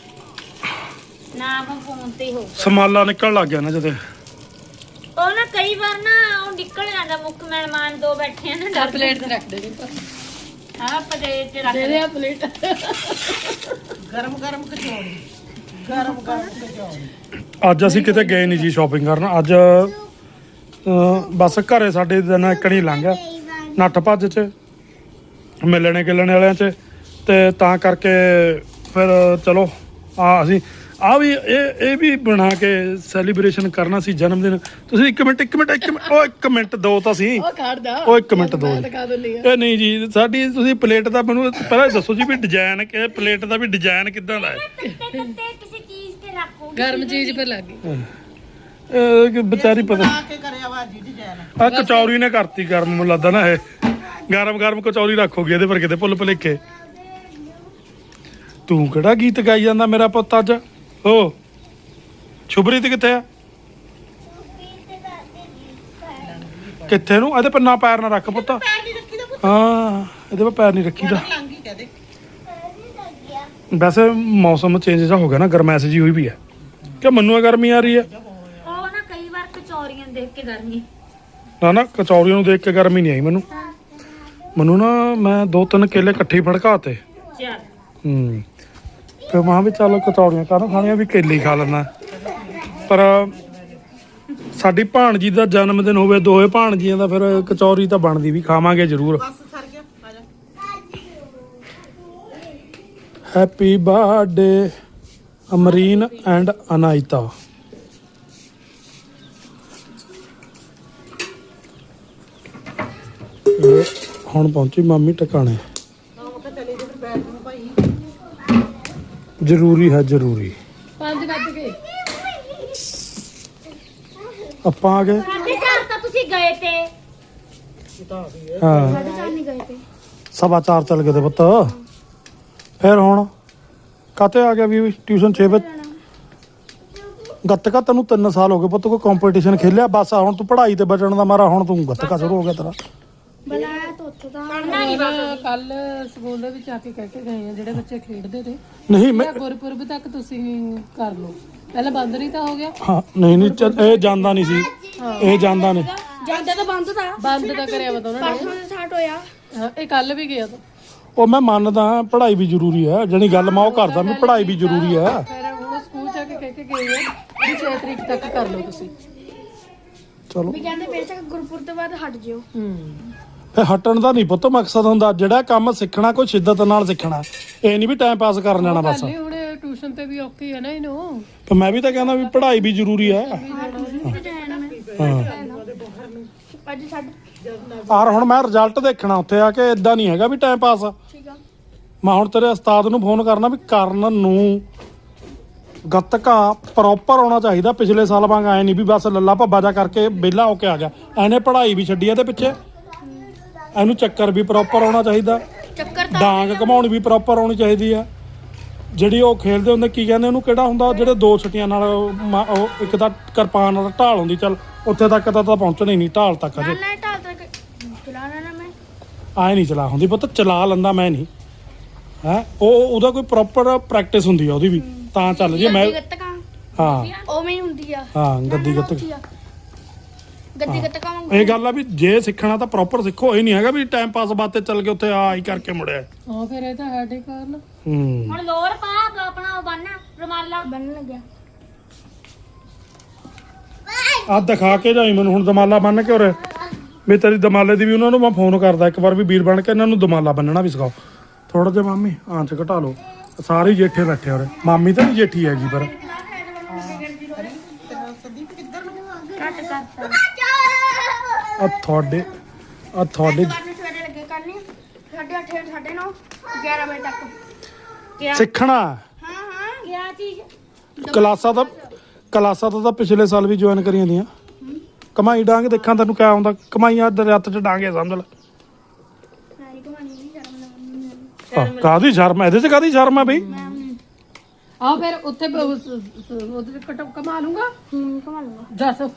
ਨਾਮ ਫੋਨ ਤੇ ਹੋ
ਸਮਾਲਾ ਨਿਕਲ ਲੱਗ ਗਿਆ ਨਾ ਜਦੇ
ਉਹ ਨਾ ਕਈ ਵਾਰ ਨਾ ਉਹ ਨਿਕਲ ਜਾਂਦਾ ਮੁੱਖ ਮਹਿਮਾਨ ਦੋ ਬੈਠੇ ਆ ਨਾ
ਤਾਂ
ਡਰ
ਪਲੇਟ ਤੇ ਰੱਖ ਦੇ ਜੀ
ਹਾਂ ਪਲੇਟ ਤੇ ਰੱਖ
ਦੇ ਦੇ ਆ ਪਲੇਟ
ਗਰਮ ਗਰਮ ਕਚੌੜੀ ਗਰਮ ਗਰਮ ਕਚੌਰੀ
ਅੱਜ ਅਸੀਂ ਕਿਤੇ ਗਏ ਨਹੀਂ ਜੀ ਸ਼ਾਪਿੰਗ ਕਰਨ ਅੱਜ ਅਹ, ਬਸ ਘਰੇ ਸਾਡੇ ਦਿਨ ਇੱਕਣੀ ਲੰਘ ਗਿਆ ਨੱਠ ਭੱਜ ਚ ਮਿਲਣੇ ਗਿਲਣੇ ਵਾਲਿਆਂ ਚ ਤੇ ਤਾਂ ਕਰਕੇ ਫਿਰ ਚਲੋ ਆ ਅਸੀਂ ਆ ਵੀ ਇਹ ਇਹ ਵੀ ਬਣਾ ਕੇ ਸੈਲੀਬ੍ਰੇਸ਼ਨ ਕਰਨਾ ਸੀ ਜਨਮ ਦਿਨ ਤੁਸੀਂ ਇੱਕ ਮਿੰਟ ਇੱਕ ਮਿੰਟ ਇੱਕ ਮਿੰਟ ਉਹ ਇੱਕ ਮਿੰਟ ਦੋ ਤਾਂ ਸੀ
ਉਹ ਖੜਦਾ
ਉਹ ਇੱਕ ਮਿੰਟ ਦੋ
ਮੈਂ
ਜੀ।
ਦਿਖਾ ਦਿੰਦੀ ਆ
ਇਹ ਨਹੀਂ ਜੀ ਸਾਡੀ ਤੁਸੀਂ ਪਲੇਟ ਦਾ ਮੈਨੂੰ ਪਹਿਲਾਂ ਦੱਸੋ ਜੀ ਵੀ ਡਿਜ਼ਾਈਨ ਕਿ ਪਲੇਟ ਦਾ ਵੀ ਡਿਜ਼ਾਈਨ ਕਿੱਦਾਂ ਦਾ ਹੈ
ਕੱਟੇ ਕੱਟੇ ਕਿਸੇ ਚੀਜ਼ ਤੇ ਰੱਖੋ
ਗਰਮ ਚੀਜ਼ ਪਰ ਲੱਗ ਗਈ
ਇਹ ਕਿ ਵਿਚਾਰੀ ਪਤਾ
ਬਣਾ ਕੇ ਕਰਿਆ ਵਾ ਜੀ ਡਿਜ਼ਾਈਨ
ਆ ਕਚੌਰੀ ਨੇ ਕਰਤੀ ਗਰਮ ਮੈਨੂੰ ਲੱਗਦਾ ਨਾ ਇਹ ਗਰਮ ਗਰਮ ਕਚੌਰੀ ਰੱਖੋਗੀ ਇਹਦੇ ਪਰ ਕਿਤੇ ਭੁੱਲ ਭੁਲੇਖੇ ਤੂੰ ਕਿਹੜਾ ਗੀਤ ਗਾਈ ਜਾਂਦਾ ਮੇਰਾ ਪੁੱਤ ਅੱਜ ਹੋ ਸ਼ੁਭਰੀਤ ਕਿੱਥੇ ਆ ਕਿੱਥੇ ਨੂੰ ਇਹਦੇ ਪਰ ਨਾ ਪੈਰ ਨਾ ਰੱਖ ਪੁੱਤ
ਪੈਰ ਨਹੀਂ ਰੱਖੀ ਦਾ ਪੁੱਤ
ਹਾਂ ਇਹਦੇ ਪਰ ਪੈਰ ਨਹੀਂ ਰੱਖੀਦਾ
ਲੰਗੀ ਕਹਦੇ
ਵੈਸੇ ਮੌਸਮ ਚੇਂਜ ਜਿਹਾ ਹੋ ਗਿਆ ਨਾ ਗਰਮੈਸ਼ ਜੀ ਹੋਈ ਵੀ ਹੈ ਕਿ ਮੈਨੂੰ ਗਰਮੀ ਆ ਰਹੀ ਹੈ
ਉਹ ਨਾ ਕਈ ਵਾਰ ਕਚੌਰੀਆਂ ਦੇਖ ਕੇ ਗਰਮੀ
ਨਾ ਨਾ ਕਚੌਰੀਆਂ ਨੂੰ ਦੇਖ ਕੇ ਗਰਮੀ ਨਹੀਂ ਆਈ ਮੈਨੂੰ ਮੈਨੂੰ ਨਾ ਮੈਂ ਦੋ ਤਿੰਨ ਕੇਲੇ ਇਕੱਠੇ ਹੀ ਫੜਕਾਤੇ
ਚੱਲ
ਹੂੰ ਫਿਰ ਮਾਂ ਵੀ ਚੱਲ ਕਚੌਰੀਆਂ ਕਾਹਨੂੰ ਖਾਣੀਆਂ ਵੀ ਕੇਲੇ ਹੀ ਖਾ ਲੈਣਾ ਪਰ ਸਾਡੀ ਭਾਣਜੀ ਦਾ ਜਨਮ ਦਿਨ ਹੋਵੇ ਦੋਵੇਂ ਭਾਣਜੀਆਂ ਦਾ ਫਿਰ ਕਚੌਰੀ ਤਾਂ ਬਣਦੀ ਵੀ ਖਾਵਾਂਗੇ ਜ਼ਰੂਰ
ਬਸ ਸਰ ਗਿਆ ਆ ਜਾ
happy birthday Amreen and Anaita ਇਹ ਹੁਣ ਪਹੁੰਚੀ ਮਾਮੀ ਟਿਕਾਣੇ
ਨਾ ਮੈਂ ਕਿਹਾ ਚਲੇ ਜੇ ਫਿਰ ਬੈਠ ਨੂੰ ਭਾਈ
ਜ਼ਰੂਰੀ ਹੈ ਜ਼ਰੂਰੀ
ਪੰਜ ਵੱਜ ਗਏ
ਆਪਾਂ ਆ ਗਏ
ਸਾਡੇ ਘਰ ਤਾਂ ਤੁਸੀਂ ਗਏ ਤੇ
ਹਾਂ
ਸਾਡੇ ਘਰ ਨਹੀਂ ਗਏ ਤੇ
ਸਵਾ ਚਾਰ ਚੱਲ ਗਏ ਤੇ ਪੁੱਤ ਫਿਰ ਹੁਣ ਕਾਤੇ ਆ ਗਿਆ ਵੀ ਟਿਊਸ਼ਨ ਛੇ ਵਜੇ ਗੱਤਕਾ ਤੈਨੂੰ ਤਿੰਨ ਸਾਲ ਹੋ ਗਏ ਪੁੱਤ ਕੋਈ ਕੰਪੀਟੀਸ਼ਨ ਖੇਲਿਆ ਬਸ ਹੁਣ ਤੂੰ ਪੜ੍ਹਾਈ ਤੇ ਬਚਣ ਦਾ ਮਾਰਾ ਹੁਣ ਤੂੰ ਗੱਤਕਾ ਸ਼ੁਰੂ ਹੋ ਗਿਆ ਤੇਰਾ
ਬੁਲਾਇਆ ਤਾਂ ਉੱਥੇ ਤਾਂ
ਕੱਲ ਸਕੂਲ ਦੇ ਵਿੱਚ ਆ ਕੇ ਕਹਿ ਕੇ ਗਏ ਆ ਜਿਹੜੇ ਬੱਚੇ ਖੇਡਦੇ ਤੇ
ਨਹੀਂ ਮੈਂ
ਜਾਂ ਗੁਰਪੁਰਬ ਤੱਕ ਤੁਸੀਂ ਕਰ ਲਓ ਪਹਿਲਾਂ ਬੰਦ ਨਹੀਂ ਤਾਂ ਹੋ ਗਿਆ
ਹਾਂ ਨਹੀਂ ਨਹੀਂ ਚੱਲ, ਇਹ ਜਾਂਦਾ ਨਹੀਂ ਸੀ ਇਹ ਜਾਂਦਾ ਨਹੀਂ
ਜਾਂਦਾ ਤਾਂ ਬੰਦ ਤਾਂ
ਬੰਦ ਤਾਂ ਕਰਿਆ ਵਾ ਤਾਂ ਉਹਨਾਂ ਨੇ
ਪਰਸੋਂ ਸਟਾਰਟ ਹੋਇਆ
ਹਾਂ, ਇਹ ਕੱਲ ਵੀ ਗਿਆ ਤਾਂ
ਉਹ ਮੈਂ ਮੰਨਦਾ ਪੜ੍ਹਾਈ ਵੀ ਜ਼ਰੂਰੀ ਹੈ ਜਿਹੜੀ ਗੱਲ ਮੈਂ ਉਹ ਕਰਦਾ ਵੀ ਪੜ੍ਹਾਈ ਵੀ ਜ਼ਰੂਰੀ ਹੈ
ਫਿਰ ਹੁਣ ਸਕੂਲ ਚ ਆ ਕੇ ਕਹਿ ਕੇ ਗਏ ਆ ਵੀ ਛੇ ਤਰੀਕ ਤੱਕ ਕਰ ਲਓ ਤੁਸੀਂ
ਚਲੋ
ਵੀ ਕਹਿੰਦੇ ਬੇਸ਼ੱਕ ਗੁਰਪੁਰ ਤੋਂ ਬਾਅਦ ਹਟ ਜਿਓ
ਹੂੰ
ਫੇ ਹਟਣ ਦਾ ਨਹੀਂ ਪੁੱਤ ਮਕਸਦ ਹੁੰਦਾ ਜਿਹੜਾ ਕੰਮ ਸਿੱਖਣਾ ਕੋਈ ਸ਼ਿੱਦਤ ਨਾਲ ਸਿੱਖਣਾ ਇਹ ਨਹੀਂ ਵੀ ਟਾਈਮ ਪਾਸ ਕਰਨ ਜਾਣਾ ਬਸ
ਨਹੀਂ ਹੁਣ ਟਿਊਸ਼ਨ ਤੇ ਵੀ ਔਖੀ ਹੈ ਨਾ ਇਹਨੂੰ
ਤੇ ਮੈਂ ਵੀ ਤਾਂ ਕਹਿੰਦਾ ਵੀ ਪੜ੍ਹਾਈ ਵੀ ਜ਼ਰੂਰੀ ਹੈ ਹਾਂ
ਅੱਜ ਛੱਡ
ਆਰ ਹੁਣ ਮੈਂ ਰਿਜ਼ਲਟ ਦੇਖਣਾ ਉੱਥੇ ਆ ਕੇ ਇਦਾਂ ਨਹੀਂ ਹੈਗਾ ਵੀ ਟਾਈਮ ਪਾਸ
ਠੀਕ ਆ
ਮੈਂ ਹੁਣ ਤੇਰੇ ਉਸਤਾਦ ਨੂੰ ਫੋਨ ਕਰਨਾ ਵੀ ਕਰਨ ਨੂੰ ਗੱਤਕਾ ਪ੍ਰੋਪਰ ਹੋਣਾ ਚਾਹੀਦਾ ਪਿਛਲੇ ਸਾਲ ਵਾਂਗ ਆਏ ਨਹੀਂ ਵੀ ਬਸ ਲੱਲਾ ਭੱਬਾ ਜਾ ਕਰਕੇ ਵਿਹਲਾ ਹੋ ਕੇ ਆ ਗਿਆ ਇਹਨੇ ਪੜ੍ਹਾਈ ਵੀ ਛੱਡੀ ਇਹਦੇ ਪਿੱਛੇ ਇਹਨੂੰ ਚੱਕਰ ਵੀ ਪ੍ਰੋਪਰ ਹੋਣਾ ਚਾਹੀਦਾ
ਚੱਕਰ
ਡਾਂਗ ਘਮਾਉਣੀ ਵੀ ਪ੍ਰੋਪਰ ਹੋਣੀ ਚਾਹੀਦੀ ਆ ਜਿਹੜੀ ਉਹ ਖੇਡਦੇ ਹੁੰਦੇ ਕੀ ਕਹਿੰਦੇ ਉਹਨੂੰ ਕਿਹੜਾ ਹੁੰਦਾ ਜਿਹੜੇ ਦੋ ਛਟੀਆਂ ਨਾਲ ਮਾ- ਉਹ ਇੱਕ ਤਾਂ ਕਿਰਪਾਨ ਨਾਲ ਢਾਲ ਹੁੰਦੀ ਚੱਲ ਉੱਥੇ ਤੱਕ ਤਾਂ ਤਾਂ ਪਹੁੰਚਣਾ ਹੀ ਨਹੀਂ ਢਾਲ ਤੱਕ ਅਜੇ
ਨਾ ਢਾਲ ਤੱਕ ਚਲਾਣਾ ਨਾ ਮੈਂ
ਆਏ ਨਹੀਂ ਚਲਾ ਹੁੰਦੀ ਪੁੱਤ ਚਲਾ ਲੈਂਦਾ ਮੈਂ ਨਹੀਂ ਹੈ ਉਹ ਉਹਦਾ ਕੋਈ ਪ੍ਰੋਪਰ ਪ੍ਰੈਕਟਿਸ ਹੁੰਦੀ ਆ ਉਹਦੀ ਵੀ ਤਾਂ ਚੱਲ ਜੀ ਮੈਂ
ਗੱਤਕਾਂ
ਹਾਂ
ਉਵੇਂ ਹੀ ਹੁੰਦੀ ਆ
ਹਾਂ ਗੱਦੀ ਗੱਤਕ
ਗੱਦੀ ਗੱਤਕਾਂ ਵਾਂਗੂ
ਇਹ ਗੱਲ ਆ ਵੀ ਜੇ ਸਿੱਖਣਾ ਤਾਂ ਪ੍ਰੋਪਰ ਸਿੱਖੋ ਇਹ ਨਹੀਂ ਹੈਗਾ ਵੀ ਟਾਈਮ ਪਾਸ ਬਾਤੇ ਚੱਲ ਕੇ ਉੱਥੇ ਆ ਹੀ ਕਰਕੇ ਮੁੜਿਆ
ਹਾਂ ਫਿਰ ਇਹ ਤਾਂ ਹੈਡੇ ਕਾਰਨ
ਹੂੰ
ਹੁਣ ਲੋਰ ਪਾ ਆਪਣਾ ਉਹ ਬੰਨ ਰੁਮਾਲਾ ਬੰਨ ਲੱਗਿਆ
ਆ ਦਿਖਾ ਕੇ ਜਾਈ ਮੈਨੂੰ ਹੁਣ ਦਮਾਲਾ ਬੰਨ ਕੇ ਉਰੇ ਵੀ ਤੇਰੀ ਦਮਾਲੇ ਦੀ ਵੀ ਉਹਨਾਂ ਨੂੰ ਮੈਂ ਫੋਨ ਕਰਦਾ ਇੱਕ ਵਾਰ ਵੀ ਵੀਰ ਬਣ ਕੇ ਇਹਨਾਂ ਨੂੰ ਦਮਾਲਾ ਬੰਨਣਾ ਵੀ ਸਿਖਾਓ ਥੋੜਾ ਜਿਹਾ ਮਾਮੀ ਆਂਚ ਘਟਾ ਲਓ ਸਾਰੇ ਜੇਠੇ ਬੈਠੇ ਉਰੇ ਮਾਮੀ ਤਾਂ ਨਹੀਂ ਜੇਠੀ ਹੈਗੀ ਪਰ
ਸੰਦੀਪ ਕਿੱਧਰ ਨੂੰ
ਕੱਟ ਕਰਤਾ
ਆ ਤੁਹਾਡੇ ਆ ਤੁਹਾਡੇ
ਕਰਨੀ ਸਵੇਰੇ ਲੱਗੇ ਕਰਨੀ ਸਾਢੇ ਅੱਠ ਸਾਢੇ ਨੌ ਗਿਆਰਾਂ ਵਜੇ ਤੱਕ ਕਿਆ
ਸਿੱਖਣਾ
ਹਾਂ ਹਾਂ ਗਿਆ ਚੀਜ਼
ਕਲਾਸਾਂ ਤਾਂ ਕਲਾਸਾਂ ਤਾਂ ਤਾਂ ਪਿਛਲੇ ਸਾਲ ਵੀ ਜੁਆਇਨ ਕਰੀਆਂ ਦੀਆਂ ਕਮਾਈ ਡਾਂਗ ਦੇਖਾਂ ਤੈਨੂੰ ਕਿਆ ਆਉਂਦਾ ਕਮਾਈਆਂ ਦੇ ਰੱਤ ਚ ਡਾਂਗੇ ਸਮਝ ਲੈ
ਨਹੀਂ ਕਹਾਣੀ ਨਹੀਂ ਸ਼ਰਮ
ਆਹ, ਕਾਹਦੀ ਸ਼ਰਮ ਹੈ ਇਹਦੇ ਚ ਕਾਹਦੀ ਸ਼ਰਮ ਹੈ ਬਈ
ਆ ਫਿਰ ਉੱਥੇ ਬ- ਉਸ- ਉਸ- ਉਹਦੇ ਕਟ ਕਮਾ ਲੂੰਗਾ
ਹੂੰ ਕਮਾ ਲੂੰਗਾ
ਦੱਸ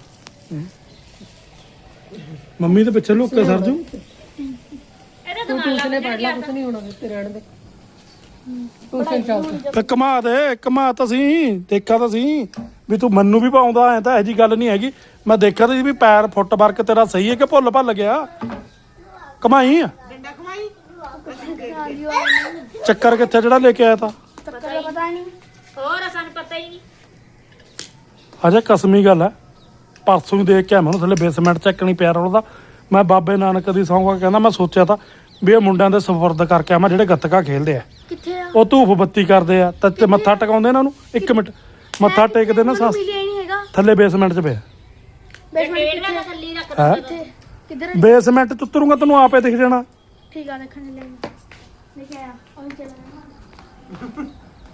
ਮੰਮੀ ਦੇ ਪਿੱਛੇ ਲੁੱਕ ਕੇ ਸਰਜੂ
ਇਹਦਾ
ਤੂੰ ਟਿਊਸ਼ਨੇ ਪੜ ਲੈ ਕੁਛ ਨਹੀਂ ਹੋਣਾ ਤੇ ਰਹਿਣ ਦੇ ਟਿਊਸ਼ਨ ਚੱਲ
ਤੇ ਕਮਾ ਦੇ ਕਮਾ ਤਾਂ ਸੀ ਦੇਖਾ ਤਾਂ ਸੀ ਵੀ ਤੂੰ ਮੰਨੂ ਵੀ ਪਾਉਂਦਾ ਐ ਤਾਂ ਇਹੋ ਜੀ ਗੱਲ ਨਹੀਂ ਹੈਗੀ ਮੈਂ ਦੇਖਿਆ ਤਾਂ ਸੀ ਵੀ ਪੈਰ ਫੁੱਟ ਵਰਕ ਤੇਰਾ ਸਹੀ ਹੈ ਕਿ ਭੁੱਲ ਭੱਲ ਗਿਆ ਕਮਾਈ ਆ
ਡੰਡਾ ਕਮਾਈ
ਚੱਕਰ ਕਿੱਥੇ ਜਿਹੜਾ ਲੈ ਕੇ ਆਇਆ ਤਾਂ
ਤੱਕਰ ਪਤਾ ਨਹੀਂ ਹੋਰ ਸਾਨੂੰ ਪਤਾ ਹੀ ਨਹੀਂ।
ਅਜੇ ਕਸਮੀ ਗੱਲ ਹੈ, ਪਰਸੋਂ ਹੀ ਦੇਖ ਕੇ ਆਇਆ ਮੈਨੂੰ ਥੱਲੇ ਬੇਸਮੈਂਟ ਚੱਕਣੀ ਪਿਆ ਰੋਲਦਾ। ਮੈਂ ਬਾਬੇ ਨਾਨਕ ਦੀ ਸੌਂਗਾ ਕਹਿੰਦਾ ਮੈਂ ਸੋਚਿਆ ਤਾਂ ਵੀ ਇਹ ਮੁੰਡਿਆਂ ਦੇ ਸਪੁਰਦ ਕਰਕੇ ਆਵਾਂ ਜਿਹੜੇ ਗੱਤਕਾ ਖੇਲਦੇ ਆ।
ਕਿੱਥੇ ਆ?
ਉਹ ਧੂਫ ਬੱਤੀ ਕਰਦੇ ਆ ਤੇ ਮੱਥਾ ਟਿਕਾਉਂਦੇ ਇਹਨਾਂ ਨੂੰ। ਇੱਕ ਮਿੰਟ ਮੱਥਾ ਟੇਕਦੇ ਨਾ ਸੱਸ
ਮਿਲਿਆ ਹੀ ਨਹੀਂ ਹੈਗਾ।
ਥੱਲੇ ਬੇਸਮੈਂਟ 'ਚ ਪਿਆ।
ਬੇਸਮੈਂਟ ਦਾ ਥੱਲੇ ਰੱਖ
ਹੈਂ?
ਕਿੱਥੇ? ਕਿੱਧਰ?
ਬੇਸਮੈਂਟ 'ਚ ਉਤਰੂੰਗਾ ਤੈਨੂੰ ਆਪੇ ਦਿਖ ਜਾਣਾ।
ਠੀਕ ਆ, ਦੇਖਣ ਲੈ ਦੇਖਿਆ ਉਹ ਚੱਲਣਾ।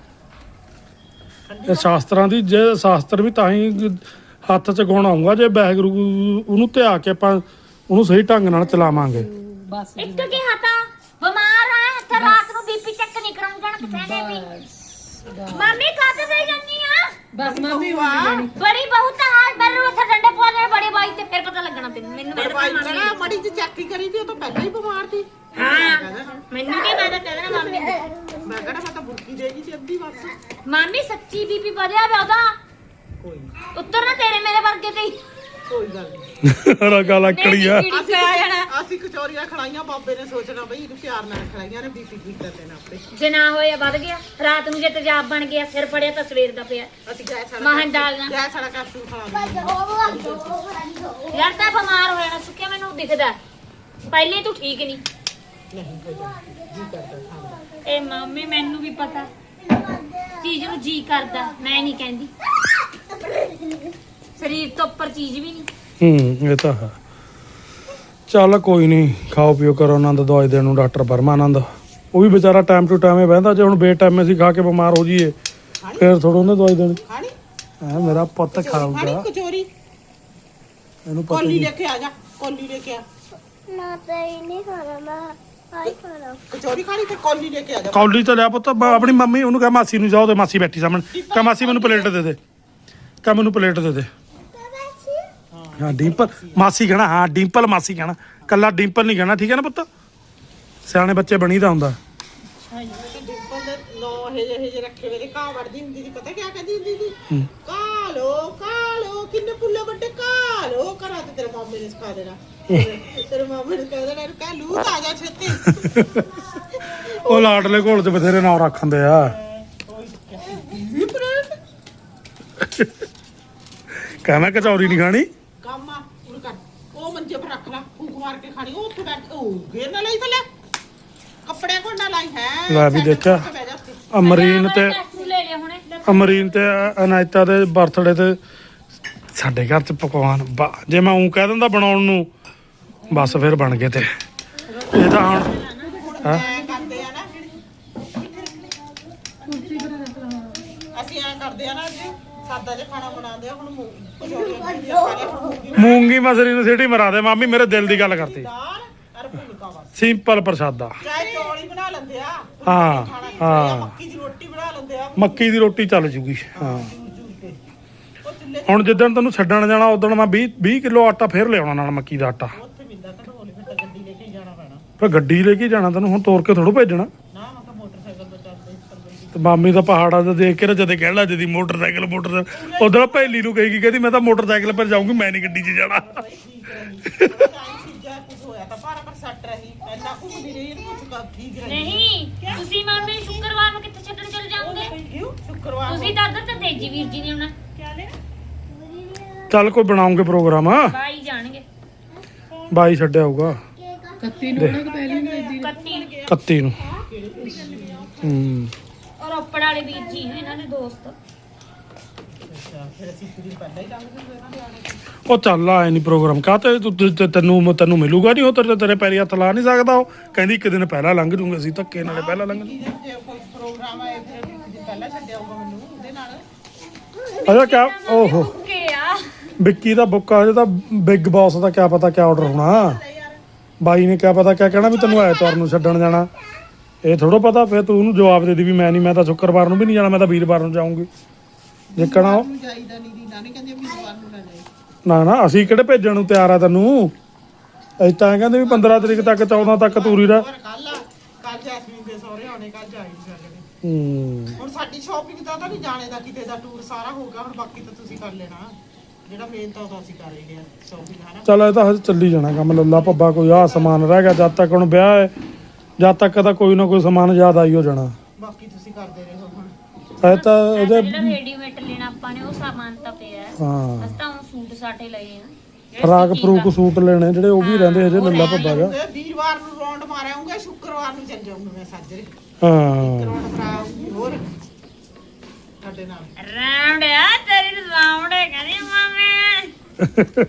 ਇਹ ਸ਼ਾਸਤਰਾਂ ਦੀ ਜੇ ਸ਼ਾਸਤਰ ਵੀ ਤਾਂ ਹੀ ਹੱਥ 'ਚ ਗੁਣ ਆਊਗਾ ਜੇ ਵਾਹਿਗੁਰੂ ਉਹਨੂੰ ਧਿਆ ਕੇ ਆਪਾਂ ਉਹਨੂੰ ਸਹੀ ਢੰਗ ਨਾਲ ਚਲਾਵਾਂਗੇ।
ਬਸ
ਇੱਕ ਕੀ ਹਤਾ ਬਿਮਾਰ ਆ ਇੱਥੇ ਰਾਤ ਨੂੰ ਬੀਪੀ ਚੈੱਕ ਨਹੀਂ ਕਰਾਉਣ ਜਾਣਾ ਕਿਸੇ ਨੇ ਵੀ। ਮੰਮੀ ਕਾਹਦੇ ਤੇ ਜਾਂਦੀ ਆ?
ਬਸ ਮੰਮੀ ਵਾਹ
ਬੜੀ ਬਹੁਤ ਹਾਲ ਬਰੂ ਉੱਥੇ ਡੰਡੇ ਪਵਾਉਣੇ ਬੜੀ ਬਾਈ ਤੇ ਫਿਰ ਪਤਾ ਲੱਗਣਾ ਤੈਨੂੰ। ਮੈਨੂੰ
ਮੇਰੇ ਭਾਈ ਕਹਿੰਦਾ ਮੜੀ ਜੀ ਚੈੱਕ ਹੀ ਕਰੀ ਤੀ, ਉਹ ਤਾਂ ਪਹਿਲਾਂ ਹੀ ਬਿਮਾਰ ਸੀ।
ਹਾਂ ਮੈਨੂੰ ਕੀ ਮੈਂ ਤਾਂ ਕਹਿਣਾ ਮੰਮੀ ਨੂੰ।
ਮੈਂ ਕਹਿੰਦਾ ਮੈਂ ਤਾਂ ਬੁਰਕੀ ਦੇਗੀ ਸੀ ਅੱਧੀ ਬਸ।
ਮੰਮੀ ਸੱਚੀ ਬੀਪੀ ਵਧਿਆ ਵਾ ਉਹਦਾ।
ਕੋਈ
ਉੱਤਰ ਨਾ ਤੇਰੇ ਮੇਰੇ ਵਰਗੇ ਤੇ ਹੀ।
ਕੋਈ ਗੱਲ ਨਹੀਂ।
ਰਗਾ ਲੱਕੜੀ ਆ।
ਅਸੀਂ ਅਸੀਂ ਕਚੌਰੀਆਂ ਖੜਾਈਆਂ, ਬਾਬੇ ਨੇ ਸੋਚਣਾ ਬਈ ਇਹਨੂੰ ਪਿਆਰ ਨਾਲ ਖੜਾਈਆਂ ਨੇ, ਬੀਪੀ ਠੀਕ ਕਰ ਦੇਣਾ ਆਪੇ।
ਜੇ ਨਾ ਹੋਇਆ ਵੱਧ ਗਿਆ ਰਾਤ ਨੂੰ ਜੇ ਤੇਜ਼ਾਬ ਬਣ ਗਿਆ ਸਿਰ ਫੜਿਆ ਤਾਂ ਸਵੇਰ ਦਾ ਪਿਆ।
ਅਸੀਂ ਗੈਸ ਵਾਲਾ
ਮਹਾਂ ਡਾਲਣਾ
ਗੈਸ ਵਾਲਾ ਕੈਪਸੂਲ ਖਾ ਲਿਆ।
ਯਾਰ ਤਾਂ ਬਿਮਾਰ ਹੋ ਜਾਣਾ ਸੁੱਕਿਆ ਮੈਨੂੰ ਦਿਖਦਾ। ਪਹਿਲੇ ਤੂੰ ਠੀਕ ਨਹੀਂ।
ਨਹੀਂ ਕੋਈ ਗੱਲ ਨੀ, ਜੀ ਕਰਦਾ ਖਾਣ ਦਾ।
ਇਹ ਮੰਮੀ ਮੈਨੂੰ ਵੀ ਪਤਾ ਚੀਜ਼ ਨੂੰ ਜੀ ਕਰਦਾ, ਮੈਂ ਨਹੀਂ ਕਹਿੰਦੀ। ਸਰੀਰ ਤੋਂ ਉੱਪਰ ਚੀਜ਼ ਵੀ ਨਹੀਂ।
ਹੂੰ ਇਹ ਤਾਂ ਹੈ। ਚੱਲ ਕੋਈ ਨਹੀਂ, ਖਾਓ ਪੀਓ ਕਰੋ ਆਨੰਦ। ਦਵਾਈ ਦੇਣ ਨੂੰ ਡਾਕਟਰ ਪਰਮਾਨੰਦ ਉਹ ਵੀ ਵਿਚਾਰਾ ਟਾਈਮ ਟੂ ਟਾਈਮ ਹੀ ਬਹਿੰਦਾ। ਜੇ ਹੁਣ ਬੇਟਾਈਮੇ ਅਸੀਂ ਖਾ ਕੇ ਬਿਮਾਰ ਹੋ ਜਾਈਏ ਫਿਰ ਥੋੜਾ ਉਹਨੇ ਦਵਾਈ ਦੇਣੀ।
ਖਾਣੀ
ਐ ਮੇਰਾ ਪੁੱਤ
ਖਾਣੀ
ਖਾਊਗਾ,
ਕਚੌਰੀ।
ਇਹਨੂੰ ਪਤਾ
ਕੋਲੀ
ਨਹੀਂ।
ਲੈ ਕੇ ਆ ਜਾ, ਕੋਲੀ ਲੈ ਕੇ ਆ।
ਨਾ ਤਾਂ ਇਹ ਨਹੀਂ ਖਾਣਾ, ਮੈਂ ਆਈ ਖਾਣਾ।
ਕਚੌਰੀ ਖਾਣੀ ਤੇ ਕੋਲੀ ਲੈ ਕੇ ਆ ਜਾ।
ਕੌਲੀ ਤਾਂ ਲਿਆ ਪੁੱਤ। ਬ- ਆਪਣੀ ਮੰਮੀ ਉਹਨੂੰ ਕਹ ਮਾਸੀ ਨੂੰ ਜਾਓ ਤੇ ਮਾਸੀ ਬੈਠੀ ਸਾਹਮਣੇ ਕਹ ਮਾਸੀ ਮੈਨੂੰ ਪਲੇਟ ਦੇ ਦੇ, ਕਹ ਮੈਨੂੰ ਪਲੇਟ ਦੇ ਦੇ। ਹਾਂ ਡਿੰਪਲ ਮਾਸੀ ਕਹਿਣਾ, ਹਾਂ ਡਿੰਪਲ ਮਾਸੀ ਕਹਿਣਾ, ਕੱਲਾ ਡਿੰਪਲ ਨਹੀਂ ਕਹਿਣਾ, ਠੀਕ ਹੈ ਨਾ ਪੁੱਤ? ਸਿਆਣੇ ਬੱਚੇ ਬਣੀਦਾ ਹੁੰਦਾ।
ਡਿੰਪਲ ਦੇ ਨੌ ਇਹ ਜਿਹੇ ਜਿਹੇ ਰੱਖੇ ਵੇ ਘਾਹ ਵੜਦੀ ਹੁੰਦੀ ਸੀ। ਪਤਾ ਕਿਆ ਕਹਿੰਦੀ ਹੁੰਦੀ ਸੀ? ਕਾਲੋ ਕਾਲੋ ਕਿੰਨੇ ਪੁੱਲੇ ਵੱਡੇ ਕਾਲੋ ਕਰਾ ਤੇ ਤੇਰੇ ਮਾਮੇ ਨੇ ਸਿਖਾ ਦੇਣਾ। ਤੇਰੇ ਮਾਮੇ ਨੇ ਕਹਿ ਦੇਣਾ ਇਹਨੂੰ ਕਹਿ ਲੂ ਆ ਜਾ ਛੇਤੀ।
ਉਹ ਲਾਡਲੇ ਘੋਲ ਚ ਬਥੇਰੇ ਨਾਂ ਰੱਖਦੇ ਆ। ਕਹਿੰਦਾ ਕਚੌਰੀ ਨਹੀਂ ਖਾਣੀ।
ਕੰਮ ਆ ਉਹ ਕਰ, ਉਹ ਮੰਜੇ ਪਰ ਰੱਖ ਲੈ, ਫੂਕ ਮਾਰ ਕੇ ਖਾਣੀ। ਉਹ ਉੱਥੇ ਬੈਠ ਉਹ ਗੇਰ ਨਾ ਲਈ ਥੱਲੇ, ਕੱਪੜੇ ਕੋਲ ਨਾ ਲਾਈ ਹੈ।
ਲੈ ਵੀ ਦੇਖਿਆ ਅਮਰੀਨ ਤੇ
ਤੂੰ ਲੈ ਲਿਆ ਹੁਣੇ।
ਅਮਰੀਨ ਤੇ ਅਨਾਇਤਾ ਦੇ ਬਰਥਡੇ ਤੇ ਸਾਡੇ ਘਰ ਚ ਪਕਵਾਨ ਬਾ- ਜੇ ਮੈਂ ਉਂ ਕਹਿ ਦਿੰਦਾ ਬਣਾਉਣ ਨੂੰ ਬਸ ਫਿਰ ਬਣ ਗਏ ਤੇ ਇਹ ਤਾਂ ਹੁਣ ਹਾਂ
ਐ ਕਰਦੇ ਆ ਨਾ, ਅਸੀਂ ਐ ਕਰਦੇ ਆ ਨਾ ਜੀ, ਸਾਦਾ ਜਿਹਾ ਖਾਣਾ ਬਣਾਉਂਦੇ ਆ। ਹੁਣ ਮੂੰਗੀ ਕਚੌਰੀਆਂ ਬਣਦੀਆਂ ਖਾ ਲਿਆ, ਹੁਣ ਮੂੰਗੀ
ਮੂੰਗੀ ਮਸਰੀ ਨੂੰ ਸਿੱਟੀ ਮਰਾ ਦੇ ਮਾਮੀ, ਮੇਰੇ ਦਿਲ ਦੀ ਗੱਲ ਕਰਤੀ।
ਦਾਲ ਅਰ ਫੁਲਕਾ ਬਸ।
ਸਿੰਪਲ ਪ੍ਰਸ਼ਾਦਾ।
ਚਾਹੇ ਚੌਲ ਹੀ ਬਣਾ ਲੈਂਦੇ ਆ,
ਹਾਂ ਹਾਂ
ਮੱਕੀ ਦੀ ਰੋਟੀ ਬਣਾ ਲੈਂਦੇ ਆ।
ਮੱਕੀ ਦੀ ਰੋਟੀ ਚੱਲ ਜੂਗੀ। ਹਾਂ
ਜੂਸ ਜੂਸ ਕੇ ਉਹ ਚੁੱਲ੍ਹੇ
ਹੁਣ ਜਿੱਦਣ ਤੈਨੂੰ ਛੱਡਣ ਜਾਣਾ ਉਦੋਂ ਮੈਂ ਵੀਹ ਵੀਹ ਕਿਲੋ ਆਟਾ ਫੇਰ ਲਿਆਉਣਾ ਨਾਲ ਮੱਕੀ ਦਾ ਆਟਾ।
ਉੱਥੇ ਮਿਲਦਾ ਘਟੋਲੇ, ਫਿਰ ਤਾਂ ਗੱਡੀ ਲੈ ਕੇ ਹੀ ਜਾਣਾ ਪੈਣਾ।
ਫਿਰ ਗੱਡੀ ਲੈ ਕੇ ਜਾਣਾ ਤੈਨੂੰ, ਹੁਣ ਤੋਰ ਕੇ ਥੋੜੂ ਭੇਜਣਾ।
ਨਾ ਮੈਂ ਤਾਂ ਮੋਟਰਸਾਈਕਲ ਤੇ ਚੱਲਦੇ ਚੱਲਦੇ।
ਤੇ ਮਾਮੀ ਦਾ ਪਹਾੜਾਂ ਤੇ ਦੇਖ ਕੇ ਨਾ ਜਦੇ ਕਹਿਣ ਲੱਗ ਜਦੀ ਮੋਟਰਸਾਈਕਲ ਮੋਟਰਸਾਈਕਲ ਉਧਰ ਪਹਿਲੀ ਨੂੰ ਕਹੇਗੀ, ਕਹਿੰਦੀ ਮੈਂ ਤਾਂ ਮੋਟਰਸਾਈਕਲ ਪਰ ਜਾਊਂਗੀ, ਮੈਂ ਨਹੀਂ ਗੱਡੀ 'ਚ ਜਾਣਾ।
ਚੀਜ਼ਾਂ ਕੁਝ ਹੋਇਆ ਤਾਂ ਪਰ ਪਰ ਸੱਟ ਰਹੀ, ਪਹਿਲਾਂ ਘੁੰਮਦੀ ਰਹੀ, ਕੁਝ ਕਰ ਠੀਕ ਰਹੀ।
ਨਹੀਂ ਤੁਸੀਂ ਮੰਮੀ ਸ਼ੁੱਕਰਵਾਰ ਨੂੰ ਕਿੱਥੇ ਛੱਡਣ ਚਲੇ ਜਾਓਗੇ?
ਕਿਉਂ ਸ਼ੁੱਕਰਵਾਰ
ਤੁਸੀਂ ਤਾਂ ਅੱਧਰ ਤੇ ਤੇਜੀ ਵੀਰ ਜੀ ਨੇ ਆਉਣਾ।
ਚੱਲ ਕੋਈ ਬਣਾਉਂਗੇ ਪ੍ਰੋਗਰਾਮ।
ਬਾਈ ਜਾਣਗੇ
ਬਾਈ ਛੱਡਿਆ ਹੋਊਗਾ
ਕੱਤੀ ਨੂੰ ਉਹਨਾਂ ਕੋ ਪਹਿਲੀ ਨੂੰ ਦੀ
ਕੱਤੀ
ਇਕੱਤੀ ਨੂੰ। ਹੂੰ
ਔਰ ਰੋਪੜ ਵਾਲੇ ਵੀਰ ਜੀ ਨੇ ਇਹਨਾਂ ਦੇ ਦੋਸਤ।
ਅੱਛਾ, ਫਿਰ ਅਸੀਂ ਇੱਕ ਦਿਨ ਪਹਿਲਾਂ ਹੀ ਲੰਘ ਜੂਗੇ ਇਹਨਾਂ ਦੇ ਆਣੇ।
ਉਹ ਚੱਲ ਆਏ ਨਹੀਂ ਪ੍ਰੋਗਰਾਮ ਕਾਹਤੇ ਤੂੰ ਤੇ- ਤੇ- ਤੈਨੂੰ ਤੈਨੂੰ ਮਿਲੂਗਾ ਨਹੀਂ ਉਹ ਤੇਰੇ ਤੇਰੇ ਪੈਰੀ ਹੱਥ ਲਾ ਨਹੀਂ ਸਕਦਾ। ਉਹ ਕਹਿੰਦੀ ਇੱਕ ਦਿਨ ਪਹਿਲਾਂ ਲੰਘ ਜੂਗੇ, ਅਸੀਂ ਧੱਕੇ ਨਾਲੇ ਪਹਿਲਾਂ ਲੰਘ ਜੂਗੇ।
ਜੇ ਕੋਈ ਪ੍ਰੋਗਰਾਮ ਆਏ ਫਿਰ ਇੱਕ ਦਿਨ ਪਹਿਲਾਂ ਛੱਡਿਆ ਹੋਊਗਾ ਮੈਨੂੰ ਉਹਦੇ ਨਾਲ।
ਅਜਾ ਕਿਆ ਓਹੋ
ਓਕੇ ਆ
ਵਿੱਕੀ ਦਾ ਬੁੱਕਾ ਅਜੇ ਤਾਂ ਬਿਗ ਬੌਸ ਦਾ ਕਿਆ ਪਤਾ ਕਿਆ ਆਰਡਰ ਹੋਣਾ। ਬਾਈ ਨੇ ਕਿਆ ਪਤਾ ਕਿਆ ਕਹਿਣਾ ਵੀ ਤੈਨੂੰ ਐਤਵਾਰ ਨੂੰ ਛੱਡਣ ਜਾਣਾ। ਇਹ ਥੋੜਾ ਪਤਾ। ਫਿਰ ਤੂੰ ਉਹਨੂੰ ਜਵਾਬ ਦੇ ਦੀ ਵੀ ਮੈਂ ਨਹੀਂ, ਮੈਂ ਤਾਂ ਸ਼ੁੱਕਰਵਾਰ ਨੂੰ ਵੀ ਨਹੀਂ ਜਾਣਾ, ਮੈਂ ਤਾਂ ਵੀਰਵਾਰ ਨੂੰ ਜਾਊਂਗੀ। ਜਿੱਕਣਾ ਉਹ
ਨੂੰ ਜਾਈਦਾ ਨਹੀਂ ਦੀ ਨਾਨੀ ਕਹਿੰਦੀ ਵੀਰਵਾਰ ਨੂੰ ਨਾ ਜਾਈ।
ਨਾ ਨਾ ਅਸੀਂ ਕਿਹੜੇ ਭੇਜਣ ਨੂੰ ਤਿਆਰ ਆ ਤੈਨੂੰ। ਅਸੀਂ ਤਾਂ ਕਹਿੰਦੇ ਵੀ ਪੰਦਰਾਂ ਤਰੀਕ ਤੱਕ ਚੌਦਾਂ ਤੱਕ ਤੂਰੀ ਰਹਿ।
ਪਰ ਕੱਲ ਕੱਲ ਜੈਸਮੀਨ ਦੇ ਸਹੁਰੇ ਆਉਣੇ, ਕੱਲ ਜਾ ਹੀ ਨਹੀਂ ਸਕਦੇ।
ਹੂੰ
ਹੁਣ ਸਾਡੀ ਸ਼ਾਪਿੰਗ ਦਾ ਤਾਂ ਨਹੀਂ ਜਾਣੇ ਦਾ ਕਿਤੇ ਦਾ ਟੂਰ ਸਾਰਾ ਹੋ ਗਿਆ। ਹੁਣ ਬਾਕੀ ਤਾਂ ਤੁਸੀਂ ਕਰ ਲੈਣਾ, ਜਿਹੜਾ ਮੇਨ ਤਾਂ ਉਹ ਅਸੀਂ ਕਰ ਹੀ ਲਿਆ ਸ਼ਾਪਿੰਗ ਹੈ ਨਾ।
ਚੱਲ ਇਹ ਤਾਂ ਹਜੇ ਚੱਲੀ ਜਾਣਾ ਕੰਮ। ਲੱਲਾ ਭੱਬਾ ਕੋਈ ਆਹ ਸਮਾਨ ਰਹਿ ਗਿਆ ਜਦ ਤੱਕ ਹੁਣ ਵਿਆਹ ਹੈ, ਜਦ ਤੱਕ ਤਾਂ ਕੋਈ ਨਾ ਕੋਈ ਸਮਾਨ ਯਾਦ ਆਈ ਹੋ ਜਾਣਾ।
ਬਾਕੀ ਤੁਸੀਂ ਕਰਦੇ ਰਹੋ ਹੁਣ।
ਇਹ ਤਾਂ ਉਹਦੇ
ਜਿਹੜਾ ਰੈਡੀਮੇਡ ਲੈਣਾ ਆਪਾਂ ਨੇ ਉਹ ਸਾਮਾਨ ਤਾਂ ਪਿਆ ਹੈ।
ਹਾਂ
ਬਸ ਤਾਂ ਉਹ ਸੂਟ ਸਾਟੇ ਲਏ ਆ ਜਿਹੜੇ
ਫਰਾਕ
stitching
ਫਰੂਕ
ਆ।
ਸੂਟ ਲੈਣੇ ਜਿਹੜੇ ਉਹ ਵੀ ਰਹਿੰਦੇ ਹਜੇ ਲੱਲਾ ਭੱਬਾ ਜਾ
ਤੇ ਵੀਰਵਾਰ ਨੂੰ ਰੌਂਡ ਮਾਰਿਆਉਂਗਾ ਸ਼ੁੱਕਰਵਾਰ ਨੂੰ ਚੱਲ ਜਾਊਂਗਾ ਮੈਂ ਸਾਜਰੇ
ਹਾਂ
ਰੌਂਡ ਕਰਾਉਂਗੀ ਹੋਰ ਸਾਡੇ ਨਾਲ
ਰਾਉਂਡ ਆ ਤੇਰੀ ਰਾਉਂਡ ਹੈ ਕਹਿੰਦੀ ਮਾਮੇ।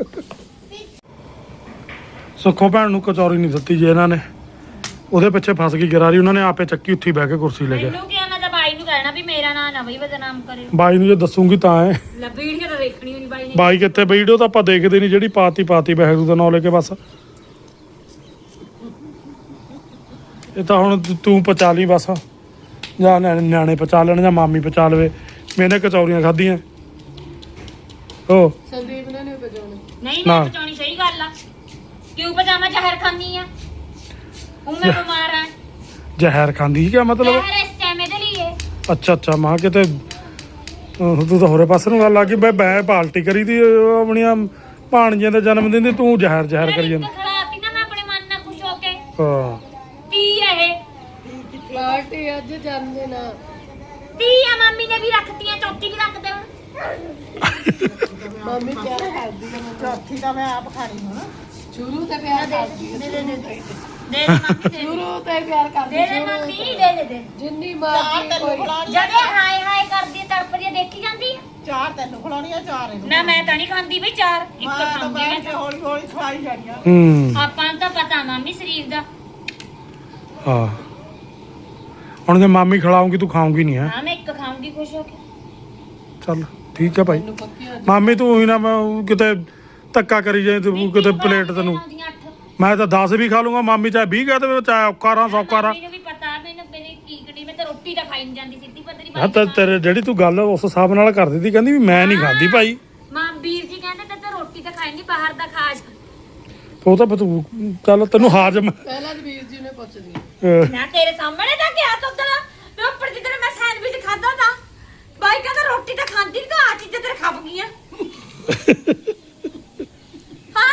ਸੁੱਖੋ ਭੈਣ ਨੂੰ ਕਚੌਰੀ ਨਹੀਂ ਦਿੱਤੀ ਜੇ ਇਹਨਾਂ ਨੇ ਉਹਦੇ ਪਿੱਛੇ ਫਸ ਗਈ ਗਰਾਰੀ ਉਹਨਾਂ ਨੇ ਆਪੇ ਚੱਕੀ ਉੱਥੇ ਹੀ ਬਹਿ ਕੇ ਕੁਰਸੀ ਲੈ ਕੇ
ਮੈਨੂੰ ਕਿਹਾ ਮੈਂ ਤਾਂ ਬਾਈ ਨੂੰ ਕਹਿਣਾ ਵੀ ਮੇਰਾ ਨਾਂ ਨਾ ਬਈ ਬਦਨਾਮ ਕਰੇ।
ਬਾਈ ਨੂੰ ਜੇ ਦੱਸੂਗੀ ਤਾਂ ਹੈ
ਲੈ ਵੀਡੀਓ ਤਾਂ ਦੇਖਣੀ ਹੋਣੀ ਬਾਈ ਨੇ।
ਬਾਈ ਕਿੱਥੇ ਵੀਡੀਓ ਤਾਂ ਆਪਾਂ ਦੇਖਦੇ ਨਹੀਂ ਜਿਹੜੀ ਪਾਤੀ ਪਾਤੀ ਬਹਿਰੂ ਦਾ ਨਾਂ ਲੈ ਕੇ ਬਸ ਇਹ ਤਾਂ ਹੁਣ ਤੂੰ- ਤੂੰ ਪਚਾ ਲਈ ਬਸ ਜਾਂ ਨਿਆਣੇ ਨਿਆਣੇ ਪਚਾ ਲੈਣ ਜਾਂ ਮਾਮੀ ਪਚਾ ਲਵੇ ਮੈਨੇ ਕਚੌਰੀਆਂ ਖਾਧੀਆਂ ਓ
ਸੰਦੀਪ ਨੇ ਨਹੀਂ ਵਜਾਉਣੇ
ਨਹੀਂ
ਨਾ।
ਮੈਂ ਪਚਾਉਣੀ ਸਹੀ ਗੱਲ ਆ ਕਿਉਂ ਪਜਾਮਾ ਜ਼ਹਿਰ ਖਾਂਦੀ ਆ ਹੁਣ ਮੈਂ ਬਿਮਾਰ ਆ
ਜ਼ਹਿਰ ਖਾਂਦੀ ਕਿਆ ਮਤਲਬ
ਜ਼ਹਿਰ ਇਸ ਟਾਈਮ ਇਹਦੇ ਲਈ ਹੈ।
ਅੱਛਾ ਅੱਛਾ ਮਾਂ ਕਿਤੇ ਅਹ ਤੂੰ ਤਾਂ ਹੋਰੇ ਪਾਸੇ ਨੂੰ ਗੱਲ ਆ ਗਈ ਮੈਂ ਬੈ ਪਾਲਟੀ ਕਰੀ ਦੀ ਉਹ ਆਪਣੀਆਂ ਭਾਣਜੀਆਂ ਦਾ ਜਨਮ ਦਿਨ ਦੀ ਤੂੰ ਜ਼ਹਿਰ ਜ਼ਹਿਰ ਕਰੀ ਜਾਂਦਾ
ਖਲਾਤੀ ਨਾ ਮੈਂ ਆਪਣੇ ਮਨ ਨਾਲ ਖੁਸ਼ ਹੋ ਕੇ
ਹਾਂ
ਤੀ ਆ ਇਹ
ਪਾਰਟੀ ਅੱਜ ਜਾਂਦੇ ਨਾ
ਤੀ ਆ ਮੰਮੀ ਨੇ ਵੀ ਰੱਖਤੀਆਂ ਚੌਥੀ ਵੀ ਰੱਖ ਦੇ ਹੁਣ
ਮੰਮੀ ਪਿਆਰ ਕਰਦੀ ਹੈ
ਚੌਥੀ ਤਾਂ ਮੈਂ ਆਪ ਖਾਣੀ ਹੁਣ
ਸ਼ੁਰੂ ਤੇ ਪਿਆਰ ਕਰਦੀ ਹੈ
ਦੇ ਦੇ ਦੇ ਦੇ ਦੇ ਮੰਮੀ ਦੇ
ਸ਼ੁਰੂ ਤੇ ਪਿਆਰ ਕਰਦੀ
ਦੇ ਦੇ ਮੰਮੀ ਦੇ ਦੇ ਦੇ
ਜਿੰਨੀ
ਚਾਰ
ਮਰਜ਼ੀ
ਤੈਨੂੰ
ਕੋਈ
ਖਿਲਾਉਣੀ
ਜਦੇ ਹਾਏ ਹਾਏ ਕਰਦੀ ਆ, ਤੜਪਦੀ ਆ, ਦੇਖੀ ਜਾਂਦੀ ਆ।
ਚਾਰ ਤੈਨੂੰ ਖਿਲਾਉਣੀ ਆ ਚਾਰ ਇਹਨੂੰ
ਨਾ ਮੈਂ ਤਾਂ ਨਹੀਂ ਖਾਂਦੀ ਬਈ ਚਾਰ ਇੱਕ
ਮੈਂ ਤਾਂ
ਖਾਂਦੀ
ਬੈਠ
ਮੈਂ
ਕੇ ਹੌਲੀ ਹੌਲੀ ਖਵਾਈ ਜਾਣੀ ਆ
ਹੂੰ
ਆਪਾਂ ਨੂੰ ਤਾਂ ਪਤਾ ਮੰਮੀ ਸਰੀਰ ਦਾ।
ਹਾਂ ਹੁਣ ਜੇ ਮਾਮੀ ਖਿਲਾਉਂਗੀ ਤੂੰ ਖਾਉਂਗੀ ਨਹੀਂ ਹੈ
ਹਾਂ ਮੈਂ ਇੱਕ ਖਾਉਂਗੀ ਖੁਸ਼ ਹੋ ਕੇ।
ਚੱਲ ਠੀਕ ਹੈ ਭਾਈ
ਨੂੰ ਪੱਕੀ ਅੱਜ
ਮਾਮੀ ਤੂੰ ਹੀ ਨਾ ਮੈਂ ਉਹ ਕਿਤੇ ਧੱਕਾ ਕਰੀ ਜਾਏ ਤੂੰ ਕਿਤੇ ਪਲੇਟ ਤੈਨੂੰ
ਖਾਉਂਦੀਆਂ ਅੱਠ।
ਮੈਂ ਤਾਂ ਦਸ ਵੀ ਖਾ ਲੂੰਗਾ ਮਾਮੀ ਚਾਹੇ ਵੀਹ ਕਹਿ ਦੇਵੇ ਚਾਹੇ ਔਕਾ ਰਾਂ ਸੌਕਾ ਰਾਂ
ਮੰਮੀ ਨੂੰ ਵੀ ਪਤਾ ਮੈਨੂੰ ਮੇਰੀ ਕੀ ਕੜੀ ਮੈਂ ਤਾਂ ਰੋਟੀ ਤਾਂ ਖਾਈ ਨਹੀਂ ਜਾਂਦੀ ਸਿੱਧੀ ਪਤਰੀ
ਹਾਂ ਤਾਂ ਤੇਰੇ ਜਿਹੜੀ ਤੂੰ ਗੱਲ ਉਸ ਹਿਸਾਬ ਨਾਲ ਕਰ ਦਿੱਤੀ ਕਹਿੰਦੀ ਵੀ ਮੈਂ ਨਹੀਂ ਖਾਂਦੀ ਭਾਈ
ਮਾਂ ਵੀਰ ਜੀ ਕਹਿੰਦੇ ਤੇ ਤਾਂ ਰੋਟੀ ਤਾਂ ਖਾਈ ਨਹੀਂ ਬਾਹਰ ਦਾ ਖਾ ਜਾ।
ਉਹ ਤਾਂ ਫਿਰ ਤੂੰ ਚੱਲ ਤੈਨੂੰ ਹਾਜ਼ਮ
ਪਹਿਲਾਂ ਜੀ ਵੀਰ ਜੀ ਨੇ ਪੁੱਛਦੀ
ਅਹ,
ਮੈਂ ਤੇਰੇ ਸਾਹਮਣੇ ਤਾਂ ਕਿਹਾ ਤੂੰ ਤਾਂ ਮੈਂ ਉੱਪਰ ਜਿੱਦਣ ਮੈਂ ਸੈਂਡਵਿਚ ਖਾਦਾ ਤਾਂ ਬਾਈ ਕਹਿੰਦਾ ਰੋਟੀ ਤਾਂ ਖਾਂਦੀ ਨਹੀਂ ਤਾਂ ਆ ਚੀਜ਼ਾਂ ਤੇਰੇ ਖੱਪ ਗਈਆਂ। ਹਾਂ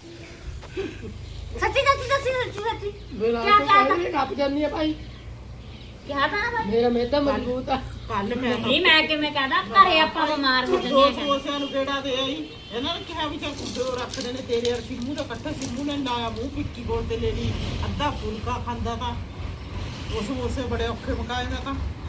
ਸੱਚੀ ਸੱਚੀ ਸੱਚੀ ਸੱਚੀ ਸੱਚੀ
ਬਿਲਾ
ਕਿਆ
ਤੋਂ
ਕਿਆ
ਪਹਿਲੇ ਕੱਪ ਜਾਂਦੀ ਹੈ ਭਾਈ
ਕਿਹਾ ਤਾਂ ਨਾ ਬਾਈ
ਮੇਰਾ ਮੇਦਾ ਮਜ਼ਬੂਤ ਆ
ਕੱਲ ਮੈਂ
ਨਹੀਂ ਮੈਂ ਕਿਵੇਂ ਕਹਦਾ ਘਰੇ ਆਪਾਂ ਬਿਮਾਰ ਹੋ
ਦੋ
ਜਾਂਦੇ ਆ
ਸਮੋਸਿਆਂ ਨੂੰ ਕਿਹੜਾ ਦੇ ਆਈ ਇਹਨਾਂ ਨੇ ਕਿਹਾ ਵੀ ਚੱਲ ਕੁੱਦੋ ਰੱਖਦੇ ਨੇ ਤੇਰੇ ਔਰ ਸਿੰਮੂ ਦਾ ਇਕੱਠਾ ਸਿੰਮੂ ਨੇ ਲਾਇਆ ਮੂੰਹ ਪਿੱਕੀ ਗੋਲ ਤੇ ਲੈ ਲਈ ਅੱਧਾ ਫੁਲਕਾ ਖਾਂਦਾ ਤਾਂ ਉਹ ਸਮੋਸੇ ਬੜੇ ਔਖੇ ਪਕਾਏ ਮੈਂ ਤਾਂ